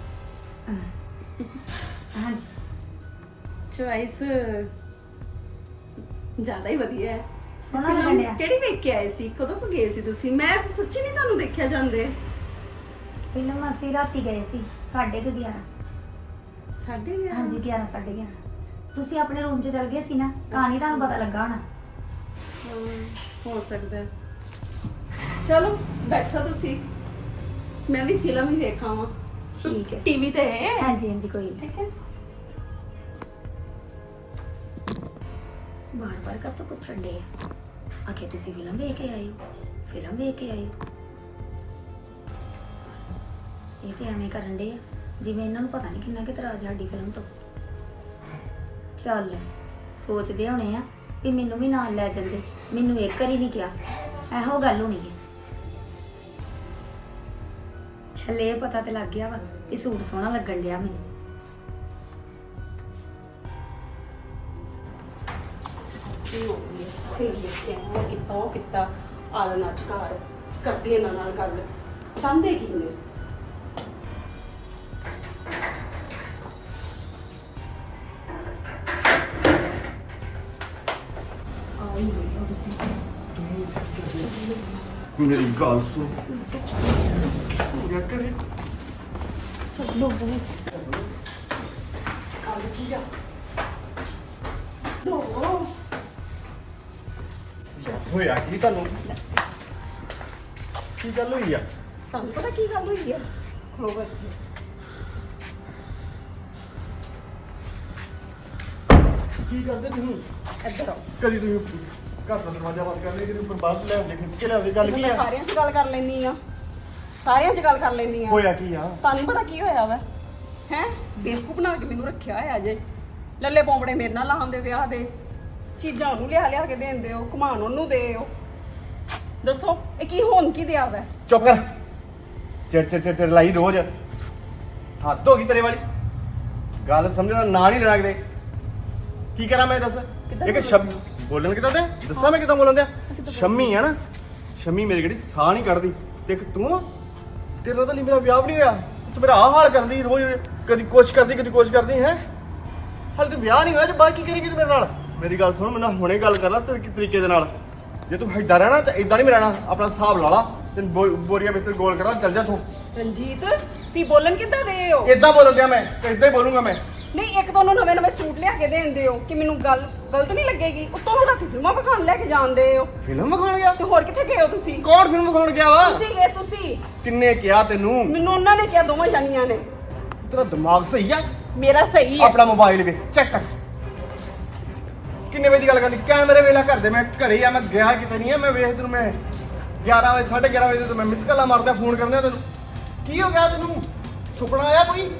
Speaker 3: ਹਾਂਜੀ
Speaker 4: ਚੁਆਇਸ ਜ਼ਿਆਦਾ ਹੀ ਵਧੀਆ ਹੈ।
Speaker 3: ਸੋਹਣਾ
Speaker 4: ਫਿਲਮ
Speaker 3: ਲੱਗਣ ਡਿਆ।
Speaker 4: ਕਿਹੜੀ ਵੇਖ ਕੇ ਆਏ ਸੀ? ਕਦੋਂ ਕੁ ਗਏ ਸੀ ਤੁਸੀਂ? ਮੈਂ ਤਾਂ ਸੱਚੀ ਨਹੀਂ ਤੁਹਾਨੂੰ ਦੇਖਿਆ ਜਾਂਦੇ।
Speaker 3: ਫਿਲਮ ਅਸੀਂ ਰਾਤੀ ਗਏ ਸੀ 11:30।
Speaker 4: ਸਾਡੇ
Speaker 3: ਹਾਂਜੀ 11 11:30। ਤੁਸੀਂ ਆਪਣੇ ਰੂਮ 'ਚ ਚਲ ਗਏ ਸੀ ਨਾ, ਤਾਂ ਨਹੀਂ ਤੁਹਾਨੂੰ ਪਤਾ ਲੱਗਾ ਹੋਣਾ।
Speaker 4: ਹੋ ਸਕਦਾ ਹੈ। ਚਲੋ ਬੈਠੋ ਤੁਸੀਂ, ਮੈਂ ਵੀ ਫਿਲਮ ਹੀ ਵੇਖਾਂ ਵਾ।
Speaker 3: ਠੀਕ ਹੈ।
Speaker 4: ਟੀਵੀ ਤੇ ਹੈ।
Speaker 3: ਹਾਂਜੀ ਹਾਂਜੀ ਕੋਈ ਨਹੀਂ।
Speaker 4: ਠੀਕ ਹੈ।
Speaker 3: ਬਾਰ-ਬਾਰ ਕਦ ਤੋਂ ਪੁੱਛਣ ਡੇ ਆਖੇ ਤੁਸੀਂ ਫਿਲਮ ਵੇਖ ਕੇ ਆਏ ਹੋ, ਫਿਲਮ ਵੇਖ ਕੇ ਆਏ ਹੋ। ਇਹ ਤੇ ਐਵੇਂ ਕਰਨ ਡੇ ਆ ਜਿਵੇਂ ਇਹਨਾਂ ਨੂੰ ਪਤਾ ਨਹੀਂ ਕਿੰਨਾ ਕਿ ਇਤਰਾਜ਼ ਸਾਡੀ ਫਿਲਮ ਤੋਂ। ਚੱਲ ਸੋਚਦੇ ਹੋਣੇ ਆ ਵੀ ਮੈਨੂੰ ਵੀ ਨਾਲ ਲੈ ਜਾਂਦੇ, ਮੈਨੂੰ ਇੱਕ ਵਾਰੀ ਨਹੀਂ ਕਿਹਾ, ਇਹੋ ਗੱਲ ਹੋਣੀ ਹੈ। ਚੱਲ ਇਹ ਪਤਾ ਤੇ ਲੱਗ ਗਿਆ ਵਾ ਇਹ ਸੂਟ ਸੋਹਣਾ ਲੱਗਣ ਡਿਆ ਮੈਨੂੰ।
Speaker 4: ਕੀ ਹੋ ਗਿਆ? ਫਿਰ ਦੇਖਿਆ ਉਹ ਕੀਤਾ ਉਹ ਕੀਤਾ, ਆਲਣ ਅੱਜ ਘਰ ਕਰਦੀ ਇਹਨਾਂ ਨਾਲ ਗੱਲ। ਚਾਹੁੰਦੇ ਕੀ ਨੇ? ਆਈ ਨਹੀਂ ਤੁਸੀਂ।
Speaker 5: ਮੇਰੀ ਗੱਲ ਸੁਣ ਹੋ ਗਿਆ ਕਰੇ
Speaker 4: ਚਲੋ ਕੰਮ ਕੀ ਆ? ਲੋ
Speaker 5: ਹੋਇਆ ਕੀ ਤੁਹਾਨੂੰ? ਕੀ ਗੱਲ ਹੋਈ ਆ?
Speaker 4: ਤੁਹਾਨੂੰ ਪਤਾ ਕੀ ਗੱਲ ਹੋਈ ਆ? ਖਲੋ ਬੈਠੇ।
Speaker 5: ਕੀ ਕਰਦੇ ਤੁਸੀਂ?
Speaker 4: ਇੱਧਰ ਆਓ।
Speaker 5: ਕਦੀ ਤੁਸੀਂ ਘਰ ਦਾ ਦਰਵਾਜ਼ਾ ਬੰਦ ਕਰ ਲਿਆ, ਕਦੀ ਉੱਪਰ ਬਾਹਰ ਲੈ ਆਉਂਦੇ, ਖਿੱਚ ਕੇ ਲਿਆਉਂਦੇ, ਗੱਲ ਕੀ
Speaker 4: ਮੈਂ
Speaker 5: ਆ?
Speaker 4: ਸਾਰਿਆਂ 'ਚ ਗੱਲ ਕਰ ਲੈਣੀ ਆ, ਸਾਰਿਆਂ 'ਚ ਗੱਲ ਕਰ ਲੈਣੀ ਆ।
Speaker 5: ਹੋਇਆ ਕੀ ਆ?
Speaker 4: ਤੁਹਾਨੂੰ ਪਤਾ ਕੀ ਹੋਇਆ ਵਾ? ਹੈ ਬੇਵਕੂਫ ਬਣਾ ਕੇ ਮੈਨੂੰ ਰੱਖਿਆ ਹੋਇਆ ਜੇ। ਲੱਲੇ ਪੌਂਪੜੇ ਮੇਰੇ ਨਾਲ ਲਾਉਂਦੇ ਵਿਆਹ ਦੇ, ਚੀਜ਼ਾਂ ਉਹਨੂੰ ਲਿਆ ਕੇ ਦੇਂਦੇ ਹੋ, ਘੁਮਾਣ ਉਹਨੂੰ ਦੇ ਹੋ। ਦੱਸੋ ਇਹ ਕੀ ਹੋਣ ਕੀ ਦਿਆ ਵਾ?
Speaker 5: ਚੁੱਪ ਕਰ। ਚਿੜ ਲਾਈ ਰੋਜ਼। ਹੱਦ ਹੋ ਗਈ ਤੇਰੇ ਵਾਲੀ। ਗੱਲ ਸਮਝਣ ਦਾ ਨਾਂ ਨਹੀਂ ਲੈਣਾ ਕਿਤੇ। ਕੀ ਕਰਾਂ ਮੈਂ ਦੱਸ? ਇੱਕ ਸ਼ਬਦ ਬੋਲਣ ਕਿਦਾਂ ਤੇ ਦੱਸਾਂ ਮੈਂ ਕਿਦਾਂ ਬੋਲਣ ਦਿਆ? ਸ਼ੰਮੀ ਆ ਨਾ, ਸ਼ੰਮੀ ਮੇਰੀ ਕਿਹੜੀ ਸਾਹ ਨਹੀਂ ਕੱਢਦੀ ਤੇ ਇੱਕ ਤੂੰ ਆ, ਤੇਰੇ ਨਾਲ ਤਾਂ ਲਈ ਮੇਰਾ ਵਿਆਹ ਵੀ ਨਹੀਂ ਹੋਇਆ, ਤੂੰ ਮੇਰਾ ਆਹ ਹਾਲ ਕਰਦੀ ਰੋਜ਼, ਕਦੀ ਕੁਛ ਕਰਦੀ ਕਦੀ ਕੁਛ ਕਰਦੀ ਹੈ। ਹਾਲੇ ਤੇ ਵਿਆਹ ਨਹੀਂ ਹੋਇਆ ਤੇ ਬਾਕੀ ਕਰੇਗੀ ਤੂੰ ਮੇਰੇ ਨਾਲ? ਮੇਰੀ ਗੱਲ ਸੁਣ, ਮੈਨੂੰ ਹੁਣੇ ਗੱਲ ਕਰ ਲੈ ਤਰੀਕੇ ਦੇ ਨਾਲ। ਜੇ ਤੂੰ ਏਦਾਂ ਰਹਿਣਾ ਤਾਂ ਏਦਾਂ ਨਹੀਂ ਮੈਂ ਰਹਿਣਾ। ਆਪਣਾ ਹਿਸਾਬ ਲਾ ਲਾ ਤੇ ਬੋਰੀਆ ਬਿਸਤਰ ਗੋਲ ਕਰਾ, ਚੱਲ ਜਾ ਤੂੰ।
Speaker 4: ਰਣਜੀਤ ਤੀ ਬੋਲਣ ਕਿੱਦਾਂ ਦੇ ਹੋ?
Speaker 5: ਏਦਾਂ ਬੋਲਣ ਦਿਆ ਮੈਂ ਤੇ ਏਦਾਂ ਹੀ ਬੋਲੂੰਗਾ ਮੈਂ।
Speaker 4: ਨਹੀਂ ਇੱਕ ਤਾਂ ਉਹਨੂੰ ਨਵੇਂ ਸੂਟ ਲਿਆ ਕੇ ਦੇਂਦੇ ਹੋ ਕਿ ਮੈਨੂੰ ਗੱਲ ਗਲਤ ਨਹੀਂ ਲੱਗੇਗੀ, ਉੱਤੋਂ ਹੁਣ ਰਾਤੀ ਫਿਲਮਾਂ ਵਿਖਾਣ ਲੈ ਕੇ ਜਾਂਦੇ ਹੋ।
Speaker 5: ਫਿਲਮ ਵਿਖਾਉਣ ਗਿਆ?
Speaker 4: ਤੇ ਹੋਰ ਕਿੱਥੇ ਗਏ ਹੋ ਤੁਸੀਂ?
Speaker 5: ਕੌਣ ਫਿਲਮ ਵਿਖਾਉਣ ਗਿਆ ਵਾ?
Speaker 4: ਤੁਸੀਂ ਗਏ ਤੁਸੀਂ?
Speaker 5: ਕਿੰਨੇ ਕਿਹਾ ਤੈਨੂੰ?
Speaker 4: ਮੈਨੂੰ ਉਹਨਾਂ ਨੇ ਕਿਹਾ, ਦੋਵਾਂ ਜਾਨੀਆਂ ਨੇ।
Speaker 5: ਤੇਰਾ ਦਿਮਾਗ ਸਹੀ ਆ?
Speaker 4: ਮੇਰਾ ਸਹੀ ਹੈ।
Speaker 5: ਆਪਣਾ ਮੋਬਾਈਲ ਵੇ ਚੈੱਕ ਕਰ। ਕਿੰਨੇ ਵਜੇ ਦੀ ਗੱਲ ਕਰਨੀ? ਕੈਮਰੇ ਵੇਲਾ ਘਰ ਦੇ, ਮੈਂ ਘਰੇ ਹੀ ਆ, ਮੈਂ ਗਿਆ ਕਿਤੇ ਨਹੀਂ ਆ। ਮੈਂ ਵੇਖ ਤੈਨੂੰ, ਮੈਂ 11 ਵਜੇ 11:30 ਵਜੇ ਤੋਂ ਮੈਂ ਮਿਸ ਕਾਲਾਂ ਮਾਰਦਾ, ਫੋਨ ਕਰਦਾ ਤੈਨੂੰ। ਕੀ ਹੋ ਗਿਆ ਤੈਨੂੰ? ਸੁਪਨਾ ਆਇਆ ਕੋਈ?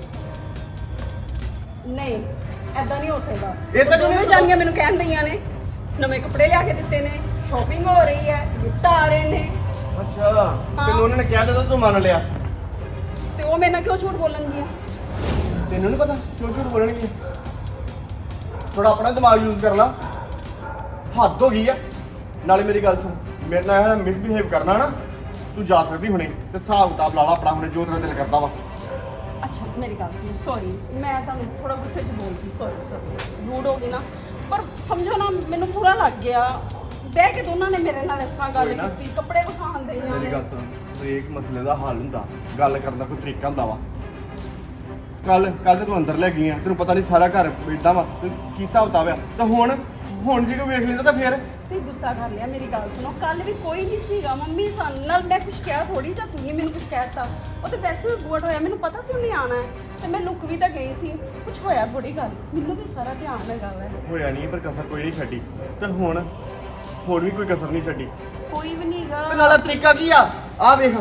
Speaker 4: ਨਹੀਂ ਐਦਾਂ ਨਹੀਂ ਹੋ ਸਕਦਾ।
Speaker 5: ਏਦਾਂ ਕਿਉਂ ਨਹੀਂ
Speaker 4: ਦੋਵੇਂ
Speaker 5: ਹੋ ਸਕਦਾ?
Speaker 4: ਜਾਨੀਆਂ ਮੈਨੂੰ ਕਹਿਣ ਦਈਆਂ ਨੇ ਨਵੇਂ ਕੱਪੜੇ ਲਿਆ ਕੇ ਦਿੱਤੇ ਨੇ, ਸ਼ਾਪਿੰਗ ਹੋ ਰਹੀ ਹੈ, ਗਿਫਟ ਆ ਰਹੇ ਨੇ।
Speaker 5: ਅੱਛਾ ਤੈਨੂੰ ਉਹਨਾਂ ਨੇ ਕਿਹਾ ਤਾਂ ਤੂੰ ਮੰਨ ਲਿਆ?
Speaker 4: ਤੇ ਉਹ ਮੇਰੇ ਨਾਲ ਕਿਉਂ ਝੂਠ ਬੋਲਣਗੀਆਂ?
Speaker 5: ਤੈਨੂੰ ਨਹੀਂ ਪਤਾ ਕਿਉਂ ਝੂਠ ਬੋਲਣਗੇ? ਥੋੜਾ ਆਪਣਾ ਦਿਮਾਗ ਯੂਜ਼ ਕਰ ਲਾ। ਹੱਦ ਹੋ ਗਈ ਆ। ਨਾਲੇ ਮੇਰੀ ਗੱਲ ਸੁਣ, ਮੇਰੇ ਨਾਲ ਮਿਸਬਿਹੇਵ ਕਰਨਾ ਨਾ, ਤੂੰ ਜਾ ਸਕਦੀ ਹੁਣੇ ਤੇ ਹਿਸਾਬ ਕਿਤਾਬ ਲਾ ਲਾ ਆਪਣਾ ਹੁਣੇ, ਜੋ ਤੇਰਾ ਦਿਲ ਕਰਦਾ ਵਾ।
Speaker 4: ਅੱਛਾ ਮੇਰੀ ਗੱਲ ਸੁਣ, ਸੌਰੀ ਮੈਂ ਤੁਹਾਨੂੰ ਥੋੜਾ ਗੁੱਸੇ 'ਚ ਬੋਲਦੀ, ਸੌਰੀ ਰੂਡ ਹੋ ਗਈ ਨਾ, ਪਰ ਸਮਝੋ ਨਾ ਮੈਨੂੰ ਪੂਰਾ ਲੱਗ ਗਿਆ। ਬਹਿ ਕੇ ਦੋਨਾਂ ਨੇ ਮੇਰੇ ਨਾਲ ਇਸ ਤਰ੍ਹਾਂ ਗੱਲ
Speaker 5: ਕੋਈ ਨਾ।
Speaker 4: ਕੀਤੀ, ਕੱਪੜੇ ਵਿਖਾਉਣ ਦੇ
Speaker 5: ਮੇਰੀ ਗੱਲ ਸੁਣ, ਹਰੇਕ ਮਸਲੇ ਦਾ ਹੱਲ ਹੁੰਦਾ, ਗੱਲ ਕਰਨ ਦਾ ਕੋਈ ਤਰੀਕਾ ਹੁੰਦਾ ਵਾ। ਕੱਲ ਤੇ ਤੂੰ ਅੰਦਰ ਲੈ ਗਈ ਆ, ਤੈਨੂੰ ਪਤਾ ਨਹੀਂ ਸਾਰਾ ਘਰ ਇਦਾਂ ਵਾ, ਤੇ ਕੀ ਹਿਸਾਬ ਕਿਤਾਬ ਆ। ਤਾਂ ਹੁਣ ਜੇ ਕੋਈ ਵੇਖ ਲੈਂਦਾ ਤਾਂ ਫੇਰ
Speaker 4: ਤੇ ਗੁੱਸਾ ਕਰ ਲਿਆ। ਮੇਰੀ ਗੱਲ ਸੁਣੋ, ਕੱਲ ਵੀ ਕੋਈ ਨਹੀਂ ਸੀਗਾ ਮੰਮੀ ਸਾਨੂੰ ਨਾਲ, ਮੈਂ ਕੁਝ ਕਿਹਾ ਥੋੜੀ, ਜਾਂ ਤੂੰ ਹੀ ਮੈਨੂੰ ਕੁਝ ਕਹਿਤਾ। ਉਹ ਤੇ ਵੈਸੇ ਬੋਟ ਹੋਇਆ, ਮੈਨੂੰ ਪਤਾ ਸੀ ਉਹਨੇ ਆਣਾ ਹੈ ਤੇ ਮੈਂ ਲੁੱਕ ਵੀ ਤਾਂ ਗਈ ਸੀ, ਕੁਝ ਹੋਇਆ ਥੋੜੀ ਗੱਲ, ਮੈਨੂੰ ਵੀ ਸਾਰਾ ਧਿਆਨ ਹੈਗਾ ਵਾ।
Speaker 5: ਹੋਇਆ ਨਹੀਂ, ਪਰ ਕਸਰ ਕੋਈ ਨਹੀਂ ਛੱਡੀ। ਤੇ ਹੁਣ ਵੀ ਕੋਈ ਕਸਰ ਨਹੀਂ ਛੱਡੀ।
Speaker 4: ਕੋਈ ਵੀ ਨਹੀਂਗਾ।
Speaker 5: ਤੇ ਨਾਲਾ ਤਰੀਕਾ ਕੀ ਆ? ਆ ਵੇਖ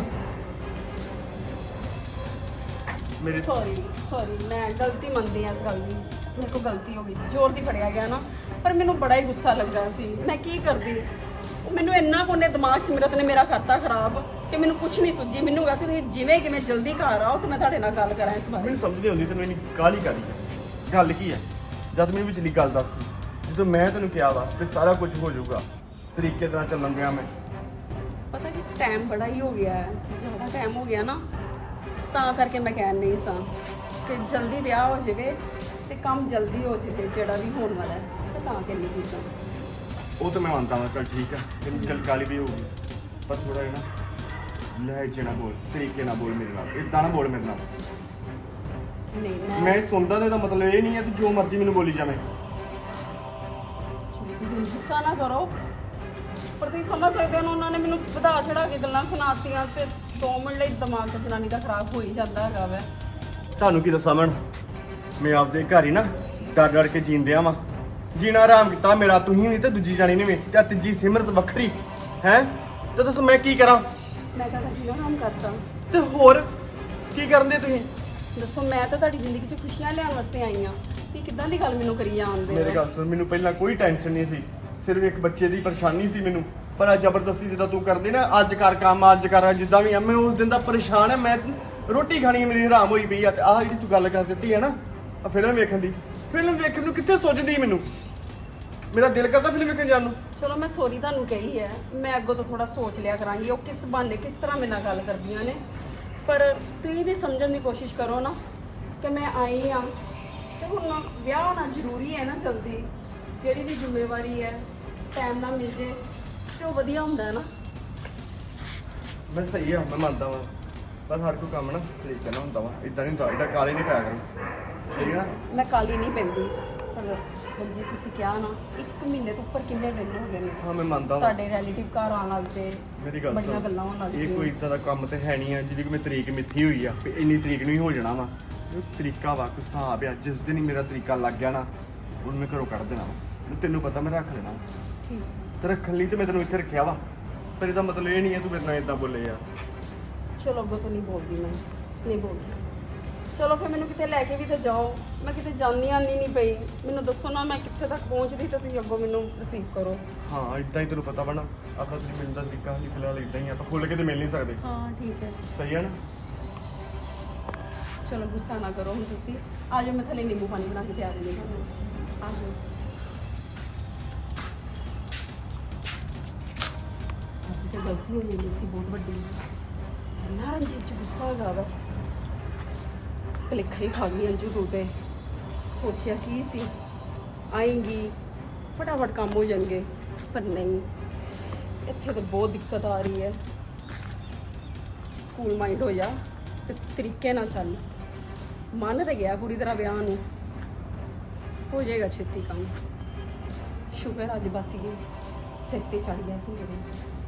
Speaker 5: ਮੇਰੇ।
Speaker 4: ਸੌਰੀ ਮੈਂ ਗਲਤੀ ਮੰਨਦੀ ਹਾਂ ਇਸ ਗੱਲ ਦੀ, ਮੇਰੇ ਕੋਲ ਗਲਤੀ ਹੋ ਗਈ, ਜ਼ੋਰ ਦੀ ਫੜਿਆ ਗਿਆ ਨਾ, ਪਰ ਮੈਨੂੰ ਬੜਾ ਹੀ ਗੁੱਸਾ ਲੱਗਾ ਸੀ। ਮੈਂ ਕੀ ਕਰਦੀ, ਮੈਨੂੰ ਇੰਨਾ ਕੋਨੇ ਦਿਮਾਗ ਸਿਮਰਤ ਨੇ ਮੇਰਾ ਕਰਤਾ ਖਰਾਬ ਕਿ ਮੈਨੂੰ ਕੁਝ ਨਹੀਂ ਸੁੱਝੀ। ਮੈਨੂੰ ਵੈਸੇ ਤੁਸੀਂ ਜਿਵੇਂ ਕਿ ਮੈਂ ਜਲਦੀ ਘਰ ਆਓ ਤੇ ਮੈਂ ਤੁਹਾਡੇ ਨਾਲ ਗੱਲ ਕਰਾਂ ਇਸ ਬਾਰੇ।
Speaker 5: ਮੈਨੂੰ ਸਮਝ ਨਹੀਂ ਆਉਂਦੀ ਤੈਨੂੰ ਇੰਨੀ ਕਾਹਲੀ ਕਾਹਦੀ ਗੱਲ ਕੀ ਆ? ਜਦ ਮੈਨੂੰ ਵਿਚਲੀ ਗੱਲ ਦੱਸ ਤੂੰ। ਜਦੋਂ ਮੈਂ ਤੈਨੂੰ ਕਿਹਾ ਵਾ ਕਿ ਸਾਰਾ ਕੁਝ ਹੋ ਜਾਊਗਾ, ਤਰੀਕੇ ਨਾਲ ਚੱਲਣ ਦਿਆਂ ਮੈਂ,
Speaker 4: ਪਤਾ ਕਿ ਟਾਈਮ ਬੜਾ ਹੀ ਹੋ ਗਿਆ ਹੈ, ਜ਼ਿਆਦਾ ਟਾਈਮ ਹੋ ਗਿਆ ਨਾ, ਤਾਂ ਕਰਕੇ ਮੈਂ ਕਹਿਣ ਨਹੀਂ ਸਾਂ ਕਿ ਜਲਦੀ ਵਿਆਹ ਹੋ ਜਾਵੇ ਤੇ ਕੰਮ ਜਲਦੀ ਹੋ ਜਾਵੇ ਜਿਹੜਾ ਵੀ ਹੋਣ ਵਾਲਾ ਹੈ, ਤੇ ਤਾਂ ਕਹਿੰਦੀ ਕੀ ਸਾਂ।
Speaker 5: ਉਹ ਤਾਂ ਮੈਂ ਮੰਨਦਾ ਹਾਂ, ਚੱਲ ਠੀਕ ਹੈ, ਤੈਨੂੰ ਚੱਲ ਕਾਲੀ ਵੀ ਹੋਊਗੀ, ਪਰ ਥੋੜਾ ਜਿਹਾ ਨਾ ਲਹਿਜੇ ਨਾਲ ਬੋਲ, ਤਰੀਕੇ ਨਾਲ ਬੋਲ ਮੇਰੇ ਨਾਲ, ਇਦਾਂ ਨਾ ਬੋਲ ਮੇਰੇ ਨਾਲ।
Speaker 4: ਨਹੀਂ
Speaker 5: ਮੈਂ ਸੁਣਦਾ ਤੇ ਇਹਦਾ ਮਤਲਬ ਇਹ ਨਹੀਂ ਹੈ ਤੂੰ ਜੋ ਮਰਜ਼ੀ ਮੈਨੂੰ ਬੋਲੀ ਜਾਵੇਂ।
Speaker 4: ਗੁੱਸਾ ਨਾ ਕਰੋ, ਪਰ ਤੁਸੀਂ ਸਮਝ ਸਕਦੇ ਹੋ ਉਹਨਾਂ ਨੇ ਮੈਨੂੰ ਵਧਾ ਚੜਾ ਕੇ ਗੱਲਾਂ ਸੁਣਾਤੀਆਂ ਤੇ 2 ਮਿੰਟ ਲਈ ਦਿਮਾਗ ਤੇ ਜਨਾਨੀ ਦਾ ਖਰਾਬ ਹੋ ਹੀ ਜਾਂਦਾ ਹੈਗਾ ਵੈ।
Speaker 5: ਤੁਹਾਨੂੰ ਕੀ ਦੱਸਾਂ ਮੈਂ ਆਪਦੇ ਘਰ ਹੀ ਨਾ ਡਰ ਡਰ ਕੇ ਜੀਂਦਿਆ ਵਾਂ, ਜੀਣਾ ਆਰਾਮ ਕੀਤਾ ਮੇਰਾ, ਤੁਸੀਂ ਨਹੀਂ ਤੇ ਦੂਜੀ ਜਾਣੀ ਨਹੀਂ ਵੇ, ਤੇ ਤੀਜੀ ਸਿਮਰਤ ਵੱਖਰੀ ਹੈ, ਤੇ ਦੱਸੋ ਮੈਂ ਕੀ ਕਰਾਂ?
Speaker 4: ਮੈਂ ਤਾਂ ਜੀਣਾ ਆਰਾਮ ਕਰਤਾ,
Speaker 5: ਤੇ ਹੋਰ ਕੀ ਕਰਨ ਦੇ ਤੁਸੀਂ?
Speaker 4: ਦੱਸੋ ਮੈਂ ਤਾਂ ਤੁਹਾਡੀ ਜ਼ਿੰਦਗੀ 'ਚ ਖੁਸ਼ੀਆਂ ਲਿਆਉਣ ਵਾਸਤੇ ਆਈ ਆ, ਤੇ ਕਿੱਦਾਂ ਦੀ ਗੱਲ ਮੈਨੂੰ ਕਰੀ ਜਾਂਦੇ
Speaker 5: ਮੇਰੇ ਗੱਲ ਸੁਣ, ਮੈਨੂੰ ਪਹਿਲਾਂ ਕੋਈ ਟੈਨਸ਼ਨ ਨਹੀਂ ਸੀ, ਸਿਰਫ ਇੱਕ ਬੱਚੇ ਦੀ ਪਰੇਸ਼ਾਨੀ ਸੀ ਮੈਨੂੰ, ਪਰ ਅੱਜ ਜ਼ਬਰਦਸਤੀ ਜਿੱਦਾਂ ਤੂੰ ਕਰਦੀ ਨਾ, ਅੱਜ ਕਰ ਕੰਮ, ਅੱਜ ਕਰ, ਜਿੱਦਾਂ ਵੀ ਆ, ਮੈਂ ਉਸ ਦਿਨ ਦਾ ਪਰੇਸ਼ਾਨ ਹੈ, ਮੈਂ ਰੋਟੀ ਖਾਣੀ ਮੇਰੀ ਹਰਾਮ ਹੋਈ ਪਈ ਆ, ਤੇ ਆਹ ਜਿਹੜੀ ਤੂੰ ਗੱਲ ਕਰ ਦਿੱਤੀ ਹੈ ਨਾ, ਆ ਫਿਲਮ ਵੇਖਣ ਦੀ, ਫਿਲਮ ਵੇਖਣ ਨੂੰ ਕਿੱਥੇ ਸੋਚਦੀ ਮੈਨੂੰ, ਮੇਰਾ ਦਿਲ ਕਰਦਾ ਫਿਲਮ ਵੇਖਣ ਜਾਣ ਨੂੰ।
Speaker 4: ਚਲੋ ਮੈਂ ਸੌਰੀ ਤੁਹਾਨੂੰ ਕਹੀ ਹੈ, ਮੈਂ ਅੱਗੋਂ ਤੋਂ ਥੋੜਾ ਸੋਚ ਲਿਆ ਕਰਾਂਗੀ ਉਹ ਕਿਸ ਬਹਾਨੇ ਕਿਸ ਤਰ੍ਹਾਂ ਮੇਰੇ ਨਾਲ ਗੱਲ ਕਰਦੀਆਂ ਨੇ, ਪਰ ਤੁਸੀਂ ਵੀ ਸਮਝਣ ਦੀ ਕੋਸ਼ਿਸ਼ ਕਰੋ ਨਾ ਕਿ ਮੈਂ ਆਈ ਆ ਤੇ ਹੁਣ ਵਿਆਹ ਹੋਣਾ ਜ਼ਰੂਰੀ ਹੈ ਨਾ ਜਲਦੀ, ਜਿਹੜੀ ਵੀ ਜ਼ਿੰਮੇਵਾਰੀ ਹੈ ਟਾਈਮ ਨਾਲ ਮਿਲ ਜੇ ਤੇ ਉਹ ਵਧੀਆ ਹੁੰਦਾ ਹੈ ਨਾ।
Speaker 5: ਮੈਂ ਸਹੀ ਆ, ਮੈਂ ਮੰਨਦਾ ਵਾਂ, ਬਸ ਹਰ ਕੋਈ ਕੰਮ ਨਾ ਤਰੀਕੇ ਨਾਲ ਹੁੰਦਾ ਵਾ, ਇਦਾਂ ਨਹੀਂ ਹੁੰਦਾ, ਇਹਦਾ ਕਾਲੇ ਨਹੀਂ ਪਿਆ ਕਰੋ, ਠੀਕ ਹੈ ਨਾ?
Speaker 4: ਮੈਂ ਕਾਲੀ ਨਹੀਂ ਪੈਂਦੀ, ਪਰ ਜੀ ਤੁਸੀਂ ਕਿਹਾ ਨਾ 1 ਮਹੀਨੇ ਤੋਂ ਉੱਪਰ ਕਿੰਨੇ ਦਿਨ ਹੋ ਗਏ ਨੇ
Speaker 5: ਹਾਂ ਮੈਂ ਮੰਨਦਾ ਵਾਂ,
Speaker 4: ਤੁਹਾਡੇ ਰਿਲੇਟਿਵ ਘਰ ਆਉਣ ਲੱਗਦੇ,
Speaker 5: ਮੇਰੀ ਗੱਲ
Speaker 4: ਬੜੀਆਂ
Speaker 5: ਸੁਣ,
Speaker 4: ਗੱਲਾਂ ਹੋਣ ਲੱਗ
Speaker 5: ਇਹ ਕੋਈ ਇਦਾਂ ਦਾ ਕੰਮ ਤੇ ਹੈ ਨਹੀਂ ਆ ਜਿਹਦੀ ਕੋਈ ਤਰੀਕ ਮਿੱਥੀ ਹੋਈ ਆ ਵੀ ਇੰਨੀ ਤਰੀਕ ਨੂੰ ਹੀ ਹੋ ਜਾਣਾ ਵਾ, ਇਹ ਤਰੀਕਾ ਵਾ, ਕੋਈ ਹਿਸਾਬ ਆ, ਜਿਸ ਦਿਨ ਹੀ ਮੇਰਾ ਤਰੀਕਾ ਲੱਗ ਗਿਆ ਨਾ ਉਹਨੂੰ ਮੈਂ ਘਰੋਂ ਕੱਢ ਦੇਣਾ ਵਾ, ਤੈਨੂੰ ਪਤਾ ਮੈਂ ਰੱਖ ਲੈਣਾ ਵਾ।
Speaker 4: ਠੀਕ
Speaker 5: ਤੇ ਰੱਖਣ ਲਈ ਤੇ ਮੈਂ ਤੈਨੂੰ ਇੱਥੇ ਰੱਖਿਆ ਵਾ, ਪਰ ਇਹਦਾ ਮਤਲਬ ਇਹ ਨਹੀਂ ਹੈ ਤੂੰ ਮੇਰੇ ਨਾਲ ਇਦਾਂ ਬੋਲੇ ਯਾਰ।
Speaker 4: ਚਲੋ ਅੱਗੋਂ ਤੋਂ ਨਹੀਂ ਬੋਲਦੀ, ਮੈਂ ਨਹੀਂ ਬੋਲਦੀ। ਚਲੋ ਫਿਰ ਮੈਨੂੰ ਕਿਤੇ ਲੈ ਕੇ ਵੀ ਤਾਂ ਜਾਓ, ਮੈਂ ਕਿਤੇ ਜਾਂਦੀ ਆਉਂਦੀ ਨਹੀਂ ਪਈ, ਮੈਨੂੰ ਦੱਸੋ ਨਾ ਮੈਂ ਕਿੱਥੇ ਤੱਕ ਪਹੁੰਚਦੀ ਤਾਂ ਤੁਸੀਂ ਅੱਗੋਂ ਮੈਨੂੰ ਰਿਸੀਵ ਕਰੋ।
Speaker 5: ਹਾਂ ਇਦਾਂ ਹੀ ਤੈਨੂੰ ਪਤਾ ਵਾ ਨਾ, ਆਪਣਾ ਤੁਸੀਂ ਮਿਲਣ ਦਾ ਤਰੀਕਾ ਹਾਲੀ ਫਿਲਹਾਲ ਇਦਾਂ ਹੀ ਆ, ਆਪਾਂ ਖੁੱਲ ਕੇ ਤੇ ਮਿਲ ਨਹੀਂ ਸਕਦੇ,
Speaker 4: ਹਾਂ ਠੀਕ ਹੈ,
Speaker 5: ਸਹੀ ਹੈ ਨਾ?
Speaker 4: ਚਲੋ ਗੁੱਸਾ ਨਾ ਕਰੋ ਹੁਣ ਤੁਸੀਂ, ਆ ਜਾਓ, ਮੈਂ ਥੱਲੇ ਨਿੰਬੂ ਪਾਣੀ ਬਣਾ ਕੇ ਤਿਆਰ ਨਹੀਂ ਕਰਨਾ, ਆ ਜਾਓ। ਅੱਜ ਤੇ ਗਲਤੀ ਹੋ ਗਈ ਸੀ ਬਹੁਤ ਵੱਡੀ, ਨਾ ਰਣਜੀਤ ਚ ਗੁੱਸਾ ਹੋ ਗਿਆ, ਭੁਲੇਖਾ ਹੀ ਖਾ ਗਈ ਅੰਜੂ ਤੂੰ ਤੇ, ਸੋਚਿਆ ਕੀ ਸੀ ਆਏਂਗੀ ਫਟਾਫਟ ਕੰਮ ਹੋ ਜਾਣਗੇ, ਪਰ ਨਹੀਂ, ਇੱਥੇ ਤਾਂ ਬਹੁਤ ਦਿੱਕਤ ਆ ਰਹੀ ਹੈ। ਕੂਲ ਮਾਈਂਡ ਹੋ ਜਾ ਤੇ ਤਰੀਕੇ ਨਾਲ ਚੱਲ, ਮੰਨ ਤੇ ਗਿਆ ਪੂਰੀ ਤਰ੍ਹਾਂ ਵਿਆਹ ਨੂੰ, ਹੋ ਜਾਏਗਾ ਛੇਤੀ ਕੰਮ, ਸ਼ੁਕਰ ਅੱਜ ਬਚ ਗਈ, ਸਿਰ ਤੇ ਚੜ ਗਿਆ ਸੀ ਮੇਰੇ।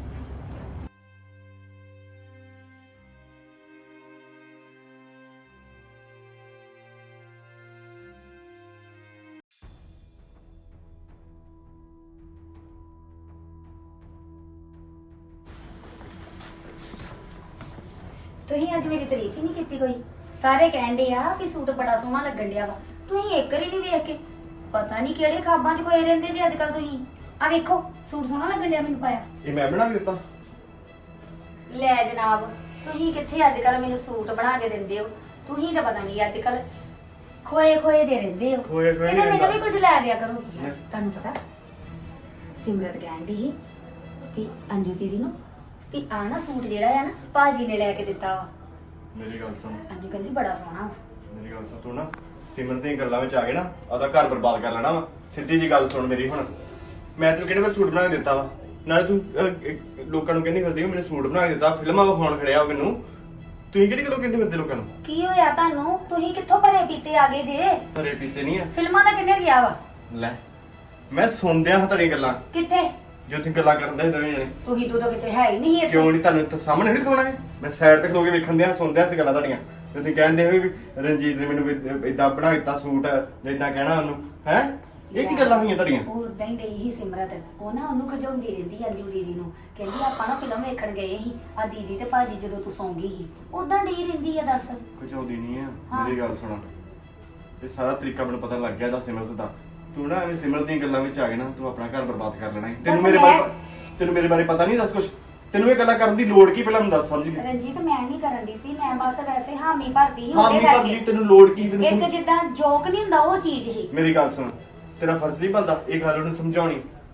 Speaker 3: ਤੁਸੀਂ ਅੱਜ ਮੇਰੀ ਤਾਰੀਫ ਹੀ ਨਹੀਂ ਕੀਤੀ ਕੋਈ, ਸਾਰੇ ਕਹਿੰਦੇ ਆ ਵੀ ਸੂਟ ਬੜਾ ਸੋਹਣਾ ਲੱਗਣ ਡਿਆ ਵਾ, ਤੁਸੀਂ ਇੱਕ ਵਾਰੀ ਨਹੀਂ ਵੇਖ ਕੇ, ਪਤਾ ਨਹੀਂ ਕਿਹੜੇ ਖਾਬਾਂ 'ਚ ਕੋਏ ਰਹਿੰਦੇ ਜੀ ਅੱਜ ਕੱਲ ਤੁਸੀਂ। ਆ ਵੇਖੋ ਸੂਟ ਸੋਹਣਾ ਲੱਗਣ ਡਿਆ ਮੈਨੂੰ ਪਾਇਆ।
Speaker 5: ਇਹ ਮੈਂ ਬਣਾ ਕੇ ਦਿੱਤਾ?
Speaker 3: ਲੈ ਜਨਾਬ, ਤੁਸੀਂ ਕਿੱਥੇ ਅੱਜ ਕੱਲ ਮੈਨੂੰ ਸੂਟ ਬਣਾ ਕੇ ਦਿੰਦੇ ਹੋ, ਤੁਸੀਂ ਤਾਂ ਪਤਾ ਨਹੀਂ ਅੱਜ ਕੱਲ ਖੋਏ ਖੋਏ ਜੇ ਰਹਿੰਦੇ ਹੋ।
Speaker 5: ਖੋਏ ਖੋਏ
Speaker 3: ਇਹਨਾਂ
Speaker 5: ਨਹੀਂ
Speaker 3: ਮੈਨੂੰ ਵੀ
Speaker 5: ਰਹਿੰਦਾ।
Speaker 3: ਕੁਝ ਲੈ ਦਿਆ ਕਰੋ।
Speaker 5: ਲੈ।
Speaker 3: ਤੁਹਾਨੂੰ ਪਤਾ ਸਿਮਰਤ ਕਹਿੰਦੀ ਸੀ ਵੀ ਅੰਜੂ ਦੀਦੀ ਨੂੰ ਵੀ ਆ ਨਾ ਸੂਟ ਜਿਹੜਾ ਆ ਨਾ ਭਾਜੀ ਨੇ ਲੈ ਕੇ ਦਿੱਤਾ ਵਾ।
Speaker 5: ਮੇਰੀ ਗੱਲ ਸੁਣ,
Speaker 3: ਅੰਜੂ ਕਹਿੰਦੀ ਬੜਾ ਸੋਹਣਾ ਵਾ।
Speaker 5: ਮੇਰੀ ਗੱਲ ਸੁਣ, ਤੂੰ ਨਾ ਸਿਮਰਨ ਦੀਆਂ ਗੱਲਾਂ ਵਿੱਚ ਆ ਕੇ ਨਾ ਆਪਦਾ ਘਰ ਬਰਬਾਦ ਕਰ ਲੈਣਾ ਵਾ। ਸਿੱਧੀ ਜੀ ਗੱਲ ਸੁਣ ਮੇਰੀ, ਹੁਣ ਮੈਂ ਤੈਨੂੰ ਕਿਹੜੇ ਵੇਲੇ ਸੂਟ ਬਣਾ ਕੇ ਦਿੱਤਾ ਵਾ? ਨਾਲੇ ਤੂੰ ਲੋਕਾਂ ਨੂੰ ਕਹਿੰਦੀ ਫਿਰਦੀ ਮੈਨੂੰ ਸੂਟ ਬਣਾ ਕੇ ਦਿੱਤਾ, ਫਿਲਮਾਂ ਵਿਖਾਉਣ ਖੜਿਆ ਮੈਨੂੰ, ਤੁਸੀਂ ਕਿਹੜੀ ਗੱਲੋਂ ਕਹਿੰਦੇ ਫਿਰਦੇ ਲੋਕਾਂ ਨੂੰ?
Speaker 3: ਕੀ ਹੋਇਆ ਤੁਹਾਨੂੰ? ਤੁਸੀਂ ਕਿੱਥੋਂ ਭਰੇ ਪੀਤੇ ਆ ਗਏ ਜੇ?
Speaker 5: ਘਰੇ ਪੀਤੇ ਨਹੀਂ ਆ।
Speaker 3: ਫਿਲਮਾਂ ਦਾ ਕਿੰਨੇ ਗਿਆ ਵਾ?
Speaker 5: ਲੈ ਮੈਂ ਸੁਣਦਿਆਂ ਹਾਂ ਤੁਹਾਡੀਆਂ ਗੱਲਾਂ,
Speaker 3: ਕਿੱਥੇ?
Speaker 5: ਜੋ ਤੁਸੀਂ ਗੱਲਾਂ ਕਰਦੇ ਹੋ ਦੋਵੇਂ ਜਣੇ।
Speaker 3: ਤੁਸੀਂ ਤਾਂ ਕਿਤੇ ਹੈ ਹੀ ਨਹੀਂ ਇੱਥੇ।
Speaker 5: ਕਿਉਂ ਨਹੀਂ? ਤੁਹਾਨੂੰ ਇੱਥੇ ਸਾਹਮਣੇ ਨਹੀਂ ਖਲੋਣਾ ਹੈ? ਮੈਂ ਸਾਈਡ ਤੇ ਖਲੋ ਕੇ ਵੇਖਣ ਦਿਆਂ ਸੁਣਦਿਆਂ ਸੀ ਗੱਲਾਂ ਤੁਹਾਡੀਆਂ। ਤੁਸੀਂ ਕਹਿੰਦੇ ਹੋ ਵੀ ਰਣਜੀਤ ਨੇ ਮੈਨੂੰ ਇਦਾਂ ਬਣਾ ਦਿੱਤਾ ਸੂਟ, ਇਦਾਂ ਕਹਿਣਾ ਉਹਨੂੰ, ਹੈ? ਇਹ ਕੀ ਗੱਲਾਂ ਹੋਈਆਂ ਤੁਹਾਡੀਆਂ?
Speaker 3: ਉਹ ਉਦਾਂ ਹੀ ਡਈ ਸੀ ਸਿਮਰਤ, ਉਹ ਨਾ ਉਹਨੂੰ ਖਜਾਉਂਦੀ ਰਹਿੰਦੀ ਅੰਜੂ ਦੀਦੀ ਨੂੰ, ਕਹਿੰਦੀ ਆਪਾਂ ਨਾ ਫਿਲਮ ਵੇਖਣ ਗਏ ਸੀ ਆ ਦੀਦੀ ਤੇ ਭਾਜੀ ਜਦੋਂ ਤੂੰ ਸੌਂ ਗਈ ਸੀ, ਉਦਾਂ ਡਈ ਰਹਿੰਦੀ ਆ। ਦੱਸ
Speaker 5: ਕੁਝ ਆਉਂਦੀ ਨਹੀਂ ਆ।
Speaker 3: ਹਾਂ।
Speaker 5: ਮੇਰੀ ਗੱਲ ਸੁਣ, ਇਹ ਸਾਰਾ ਤਰੀਕਾ ਮੈਨੂੰ ਪਤਾ ਲੱਗ ਗਿਆ ਦਾ ਸਿਮਰਤ ਦਾ। ਤੂੰ ਨਾ ਐਵੇਂ ਸਿਮਰਤ ਦੀਆਂ ਗੱਲਾਂ ਵਿੱਚ ਆ ਗਏ ਨਾ, ਤੂੰ ਆਪਣਾ ਘਰ ਬਰਬਾਦ ਕਰ ਲੈਣਾ ਹੈ। ਤੈਨੂੰ ਮੇਰੇ ਬਾਰੇ ਪਤਾ ਨਹੀਂ? ਦੱਸ ਕੁਛ, ਤੈਨੂੰ ਇਹ ਗੱਲਾਂ ਕਰਨ ਦੀ ਲੋੜ ਕੀ? ਪਹਿਲਾਂ ਮੈਨੂੰ ਦੱਸ, ਸਮਝ ਗਈ?
Speaker 3: ਰਣਜੀਤ ਮੈਂ ਨਹੀਂ ਕਰਨ ਦੀ ਸੀ, ਮੈਂ ਬਸ ਵੈਸੇ ਹਾਮੀ ਭਰਦੀ ਸੀ
Speaker 5: ਹਾਂ
Speaker 3: ਉਹਦੇ
Speaker 5: ਨਹੀਂ ਪਰ
Speaker 3: ਕਰਕੇ।
Speaker 5: ਤੈਨੂੰ ਲੋੜ ਕੀ? ਤੈਨੂੰ
Speaker 3: ਇੱਕ ਜਿੱਦਾਂ ਜੋਕ ਨਹੀਂ ਹੁੰਦਾ ਉਹ ਚੀਜ਼ ਹੀ।
Speaker 5: ਮੇਰੀ ਗੱਲ ਸੁਣ, ਤੇਰਾ ਫਰਜ਼ ਨਹੀਂ ਬਣਦਾ ਇਹ ਗੱਲ ਉਹਨੂੰ ਸਮਝਾਉਣੀ।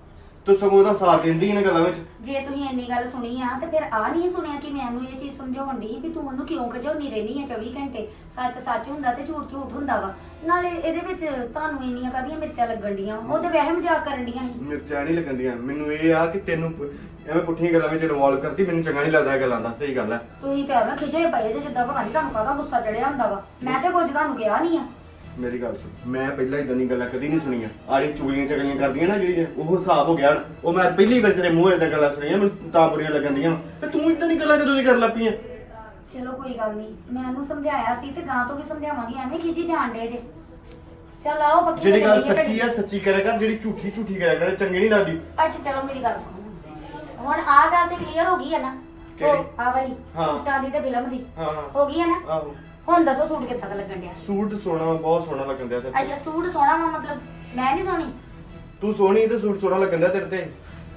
Speaker 5: ਤੂੰ ਸਗੋਂ ਉਹਦਾ ਸਾਥ ਦਿੰਦੀ ਇਹਨਾਂ ਗੱਲਾਂ ਵਿੱਚ।
Speaker 3: ਜੇ ਤੁਸੀਂ ਇੰਨੀ ਗੱਲ ਸੁਣੀ ਆ ਤੇ ਫਿਰ ਆ ਨਹੀਂ ਸੁਣਿਆ ਕਿ ਮੈਂ ਉਹਨੂੰ ਇਹ ਚੀਜ਼ ਸਮਝਾਉਣ ਦੀ ਵੀ ਤੂੰ ਉਹਨੂੰ ਕਿਉਂ ਖਿਜਾਉਣੀ ਰਹਿਣੀ ਆ 24 ਘੰਟੇ। ਸੱਚ ਸੱਚ ਹੁੰਦਾ ਤੇ ਝੂਠ ਝੂਠ ਹੁੰਦਾ ਵਾ। ਨਾਲੇ ਇਹਦੇ ਵਿੱਚ ਤੁਹਾਨੂੰ ਇੰਨੀਆਂ ਕਾਹਦੀਆਂ ਮਿਰਚਾਂ ਲੱਗਣ ਡੀਆਂ? ਉਹ ਤੇ ਵੈਸੇ ਮਜ਼ਾਕ ਕਰਨ ਡੀਆਂ ਸੀ।
Speaker 5: ਮਿਰਚਾਂ ਨਹੀਂ ਲੱਗਣਦੀਆਂ ਮੈਨੂੰ। ਇਹ ਆ ਕਿ ਤੈਨੂੰ ਐਵੇਂ ਪੁੱਠੀਆਂ ਗੱਲਾਂ ਵਿੱਚ ਇਨਵੋਲਵ ਕਰਦੀ, ਮੈਨੂੰ ਚੰਗਾ ਨਹੀਂ ਲੱਗਦਾ ਇਹ ਗੱਲਾਂ ਦਾ। ਸਹੀ ਗੱਲ ਹੈ।
Speaker 3: ਤੁਸੀਂ ਤਾਂ ਐਵੇਂ ਖਿਜੇ ਪਏ ਜੇ ਜਿੱਦਾਂ ਪਤਾ ਨਹੀਂ ਤੁਹਾਨੂੰ ਕਾਹਦਾ ਗੁੱਸਾ ਚੜਿਆ ਹੁੰਦਾ ਵਾ। ਮੈਂ ਤੇ ਕੁਝ ਤੁਹਾਨੂੰ ਕਿਹਾ ਨਹੀਂ ਆ।
Speaker 5: ਮੇਰੀ ਗੱਲ ਸੁਣ, ਮੈਂ ਪਹਿਲਾਂ ਇਦਾਂ ਦੀਆਂ ਗੱਲਾਂ ਕਦੀ ਨਹੀਂ ਸੁਣੀਆਂ। ਆੜੀ ਚੁਗਲੀਆਂ ਚਗਲੀਆਂ ਕਰਦੀਆਂ ਨਾ ਜਿਹੜੀਆਂ, ਉਹ ਹਿਸਾਬ ਹੋ ਗਿਆ ਹੁਣ। ਉਹ ਮੈਂ ਪਹਿਲੀ ਵਾਰ ਤੇਰੇ ਮੂੰਹ ਇਦਾਂ ਗੱਲਾਂ ਸੁਣੀਆਂ, ਮੈਨੂੰ ਤਾਂ ਬੁਰੀਆਂ ਲੱਗਣ ਦੀਆਂ। ਤੇ ਤੂੰ ਇਦਾਂ ਦੀ ਗੱਲਾਂ ਕਦੋਂ ਦੀ ਕਰਨ ਲੱਗ ਪਈ ਆ?
Speaker 3: ਚਲੋ ਕੋਈ ਗੱਲ ਨਹੀਂ, ਮੈਂ ਉਹਨੂੰ ਸਮਝਾਇਆ ਸੀ ਤੇ ਗਾਂ ਤੋਂ ਵੀ ਸਮਝਾਵਾਂਗੀ। ਐਵੇਂ ਖਿਜੀ ਜਾਣ ਡੇ ਜੇ। ਚੱਲ ਆਓ ਪੱਕੀ
Speaker 5: ਜਿਹੜੀ ਗੱਲ
Speaker 3: ਚੱਲੀਏ
Speaker 5: ਸੱਚੀ ਆ ਸੱਚੀ ਕਰਿਆ ਕਰ, ਜਿਹੜੀ ਝੂਠੀ ਝੂਠੀ ਕਰਿਆ ਕਰ, ਚੰਗੀ ਨਹੀਂ ਲੱਗਦੀ।
Speaker 3: ਅੱਛਾ ਚਲੋ ਮੇਰੀ ਗੱਲ ਸੁਣੋ। ਹੁਣ ਆਹ ਗੱਲ ਤੇ ਕਲੀਅਰ ਹੋ ਗਈ ਹੈ ਨਾ?
Speaker 5: ਕਿਹੜੀ?
Speaker 3: ਆਹ ਵਾਲੀ
Speaker 5: ਹਾਂ।
Speaker 3: ਸੂਟਾਂ ਦੀ ਤੇ ਫਿਲਮ ਦੀ
Speaker 5: ਹਾਂ ਹਾਂ
Speaker 3: ਹੋ ਗਈ ਹੈ ਨਾ?
Speaker 5: ਆਹੋ।
Speaker 3: ਹੁਣ ਦੱਸੋ ਸੂਟ ਕਿੱਦਾਂ ਦਾ ਲੱਗਣ ਡਿਆ?
Speaker 5: ਸੂਟ ਸੋਹਣਾ, ਬਹੁਤ ਸੋਹਣਾ ਲੱਗਣ ਦਿਆ ਤੇਰੇ
Speaker 3: ਅੱਛਾ ਸੂਟ ਸੋਹਣਾ ਵਾ, ਮਤਲਬ ਮੈਂ ਨਹੀਂ ਸੋਹਣੀ?
Speaker 5: ਤੇ। ਤੂੰ ਸੋਹਣੀ ਤੇ ਸੂਟ ਸੋਹਣਾ ਲੱਗਣ ਦਿਆ ਤੇਰੇ ਤੇ।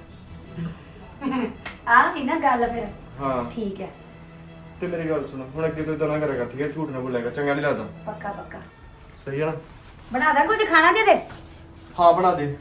Speaker 3: ਆਹ ਵੀ ਨਾ ਗੱਲ ਫਿਰ।
Speaker 5: ਹਾਂ
Speaker 3: ਠੀਕ ਹੈ,
Speaker 5: ਤੇ ਮੇਰੀ ਗੱਲ ਸੁਣ, ਹੁਣ ਅੱਗੇ ਤੋਂ ਇਦਾਂ ਨਾ ਕਰਿਆ ਕਰ, ਠੀਕ ਹੈ? ਝੂਠ ਨਾ ਬੋਲਿਆ ਕਰ, ਚੰਗਾ ਨਹੀਂ ਲੱਗਦਾ।
Speaker 3: ਪੱਕਾ ਪੱਕਾ।
Speaker 5: ਸਹੀ ਹੈ ਨਾ?
Speaker 3: ਬਣਾ ਦਾਂ ਕੁਝ ਖਾਣਾ ਜੇ ਤੇ?
Speaker 5: ਹਾਂ ਬਣਾ ਦੇ।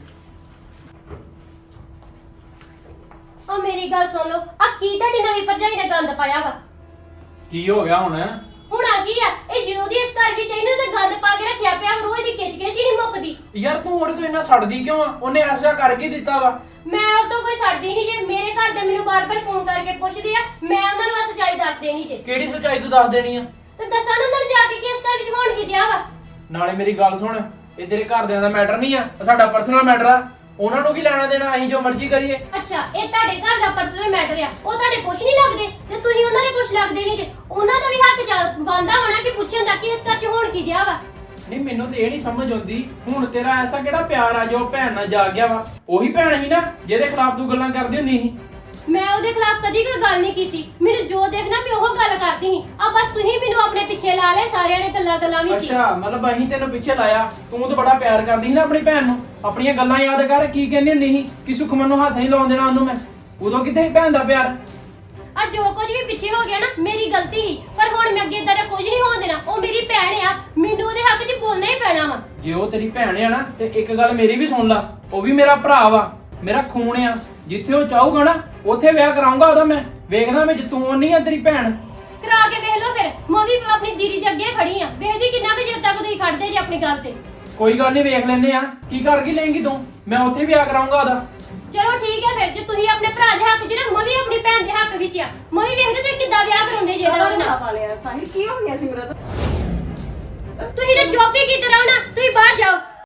Speaker 2: ਆ ਮੇਰੀ ਗੱਲ ਸੁਣ ਲਓ, ਆ ਕੀ ਤੁਹਾਡੀ ਨਵੀਂ ਭਰਜਾਈ ਨੇ ਗੰਦ ਪਾਇਆ ਵਾ?
Speaker 6: ਕੀ ਹੋ ਗਿਆ ਹੁਣ?
Speaker 2: ਹੁਣ ਆ ਗਈ ਆ ਇਹ ਜਦੋਂ ਦੀ ਇਸ ਘਰ ਵਿੱਚ ਇਹਨੇ ਤੇ ਗੰਦ ਪਾ ਕੇ ਰੱਖਿਆ ਪਿਆ ਵਾ, ਰੋਜ਼ ਦੀ ਕਿਚ ਕਿਚ ਹੀ ਨਹੀਂ ਮੁੱਕਦੀ।
Speaker 6: ਯਾਰ ਤੂੰ ਉਹਦੇ ਤੋਂ ਇੰਨਾ ਸੜਦੀ ਕਿਉਂ ਆ? ਉਹਨੇ ਐਸਾ ਕਰਕੇ ਦਿੱਤਾ ਵਾ।
Speaker 2: ਮੈਂ ਉਹ ਤੋਂ ਕੋਈ ਛੱਡਦੀ ਨਹੀਂ ਜੇ। ਮੇਰੇ ਘਰ ਦੇ ਮੈਨੂੰ ਬਾਰ-ਬਾਰ ਫੋਨ ਕਰਕੇ ਪੁੱਛਦੇ ਆ, ਮੈਂ ਉਹਨਾਂ ਨੂੰ ਆ ਸੱਚਾਈ ਦੱਸ ਦੇਣੀ ਜੇ।
Speaker 6: ਕਿਹੜੀ ਸੱਚਾਈ ਤੂੰ ਦੱਸ ਦੇਣੀ ਆ?
Speaker 2: ਤੇ ਦੱਸਾਂ ਨਾ ਉਹਨਾਂ ਨੂੰ ਜਾ ਕੇ ਕਿ ਇਸ ਘਰ ਵਿੱਚ ਹੋਣ ਕੀ ਦਿਆ ਵਾ।
Speaker 6: ਨਾਲੇ ਮੇਰੀ ਗੱਲ ਸੁਣ, ਇਹ ਤੇਰੇ ਘਰਦਿਆਂ ਦਾ ਮੈਟਰ ਨਹੀਂ ਆ, ਇਹ ਸਾਡਾ ਪਰਸਨਲ ਮੈਟਰ ਆ। ਉਹਨਾਂ ਨੂੰ ਕੀ ਲੈਣਾ ਦੇਣਾ, ਅਸੀਂ ਜੋ ਮਰਜ਼ੀ ਕਰੀਏ।
Speaker 2: ਅੱਛਾ ਇਹ ਤੁਹਾਡੇ ਘਰ ਦਾ ਪਰਸਨਲ ਮੈਟਰ ਆ, ਉਹ ਤੁਹਾਡੇ ਕੁਛ ਨਹੀਂ ਲੱਗਦੇ ਤੇ ਤੁਸੀਂ ਉਹਨਾਂ ਦੇ ਕੁਛ ਲੱਗਦੇ ਨਹੀਂ ਜੇ। ਉਹਨਾਂ ਦਾ ਵੀ ਹੱਕ ਚੱਲ ਬੰਦਾ ਹੋਣਾ ਕਿ ਪੁੱਛਣ ਦਾ ਕਿ ਇਸ ਘਰ 'ਚ ਹੋਣ ਕੀ ਦਿਆ ਵਾ।
Speaker 6: ਨਹੀਂ ਮੈਨੂੰ ਤੇ ਇਹ ਨਹੀਂ ਸਮਝ ਆਉਂਦੀ, ਹੁਣ ਤੇਰਾ ਐਸਾ ਕਿਹੜਾ ਪਿਆਰ ਆ ਜੋ ਭੈਣ ਨਾਲ ਜਾ ਗਿਆ ਵਾ? ਉਹੀ ਭੈਣ ਸੀ ਨਾ ਜਿਹਦੇ ਖਿਲਾਫ ਤੂੰ ਗੱਲਾਂ ਕਰਦੀ ਹੁੰਦੀ ਸੀ।
Speaker 2: ਮੈਂ ਉਹਦੇ ਖਿਲਾਫ ਕਦੀ ਕੋਈ ਗੱਲ ਨਹੀਂ ਕੀਤੀ। ਮੈਨੂੰ ਜੋ ਦੇਖਣਾ ਵੀ ਉਹ ਗੱਲ ਕਰਦੀ ਸੀ। ਆ ਬਸ ਤੁਸੀਂ ਮੈਨੂੰ ਆਪਣੇ ਪਿੱਛੇ ਲਾ ਲਏ ਸਾਰਿਆਂ ਨੇ ਗੱਲਾਂ ਵਿੱਚ ਹੀ।
Speaker 6: ਅੱਛਾ ਮਤਲਬ ਅਸੀਂ ਤੈਨੂੰ ਪਿੱਛੇ ਲਾਇਆ। ਤੂੰ ਤਾਂ ਬੜਾ ਪਿਆਰ ਕਰਦੀ ਸੀ ਨਾ ਆਪਣੀ ਭੈਣ ਨੂੰ। ਆਪਣੀਆਂ ਗੱਲਾਂ ਯਾਦ ਕਰ, ਕੀ ਕਹਿੰਦੀ ਹੁੰਦੀ ਸੀ ਕਿ ਸੁਖਮਨ ਨੂੰ ਹੱਥ ਨਹੀਂ ਲਾਉਣ ਦੇਣਾ ਉਹਨੂੰ ਮੈਂ। ਉਦੋਂ ਕਿੱਥੇ ਸੀ ਭੈਣ ਦਾ ਪਿਆਰ?
Speaker 2: ਆ ਜੋ ਕੁਝ ਵੀ ਪਿੱਛੇ ਹੋ ਗਿਆ ਨਾ ਮੇਰੀ ਗਲਤੀ ਸੀ, ਪਰ ਹੁਣ ਮੈਂ ਅੱਗੇ ਇਦਾਂ ਦਾ ਕੁਝ ਨਹੀਂ ਹੋਣ ਦੇਣਾ। ਉਹ ਮੇਰੀ ਭੈਣ ਆ, ਮੈਨੂੰ ਉਹਦੇ ਹੱਕ 'ਚ ਬੋਲਣਾ ਹੀ ਪੈਣਾ ਵਾ।
Speaker 6: ਜੇ ਉਹ ਤੇਰੀ ਭੈਣ ਆ ਨਾ ਤੇ ਇੱਕ ਗੱਲ ਮੇਰੀ ਵੀ ਸੁਣ ਲਾ, ਉਹ ਵੀ ਮੇਰਾ ਭਰਾ ਵਾ, ਮੇਰਾ ਖੂਨ ਆ। ਜਿੱਥੇ ਉਹ ਚਾਹੂਗਾ ਨਾ ਉੱਥੇ ਵਿਆਹ ਕਰਾਉਂਗਾ ਉਹਦਾ ਮੈਂ। ਵੇਖਦਾ ਮੈਂ ਤੂੰ ਨਹੀਂ ਆ ਤੇਰੀ ਭੈਣ।
Speaker 2: ਕਰਾ ਕੇ ਵੇਖ ਲਓ ਫਿਰ। ਮੈਂ ਵੀ ਆਪਣੀ ਦੀਦੀ ਦੇ ਅੱਗੇ ਖੜੀ ਆ, ਵੇਖਦੀ ਕਿੰਨਾ ਕੁ ਚਿਰ ਤੱਕ ਤੁਸੀਂ ਖੜਦੇ ਜੇ ਆਪਣੀ ਗੱਲ ਤੇ।
Speaker 6: ਕੋਈ ਗੱਲ ਨਹੀਂ, ਵੇਖ ਲੈਂਦੇ ਆ ਕੀ ਕਰ ਕੀ ਲਏਂਗੀ ਤੂੰ। ਮੈਂ ਉੱਥੇ ਵਿਆਹ ਕਰਾਉਂਗਾ ਉਹਦਾ।
Speaker 2: ਚਲੋ ਠੀਕ ਹੈ ਫਿਰ, ਜੇ ਤੁਸੀਂ ਆਪਣੇ ਭਰਾ ਦੇ ਹੱਕ 'ਚ ਨਾ, ਮੈਂ ਵੀ ਆਪਣੀ ਭੈਣ ਦੇ ਹੱਕ ਵਿੱਚ ਆ। ਮੈਂ ਵੀ ਵੇਖਦੇ ਤੁਸੀਂ ਕਿੱਦਾਂ ਵਿਆਹ ਕਰਾਉਂਦੇ ਜੇ ਉਹਦੇ ਨਾਲ।
Speaker 4: ਪਾ ਲਿਆ ਸਾਹਿਲ, ਕੀ ਹੋ ਗਿਆ ਸਿਮਰਤ?
Speaker 2: ਤੁਸੀਂ ਤਾਂ ਚੁੱਪ ਹੀ ਕੀਤੇ ਰਹੋ ਨਾ, ਤੁਸੀਂ ਬਾਹਰ ਜਾਓ।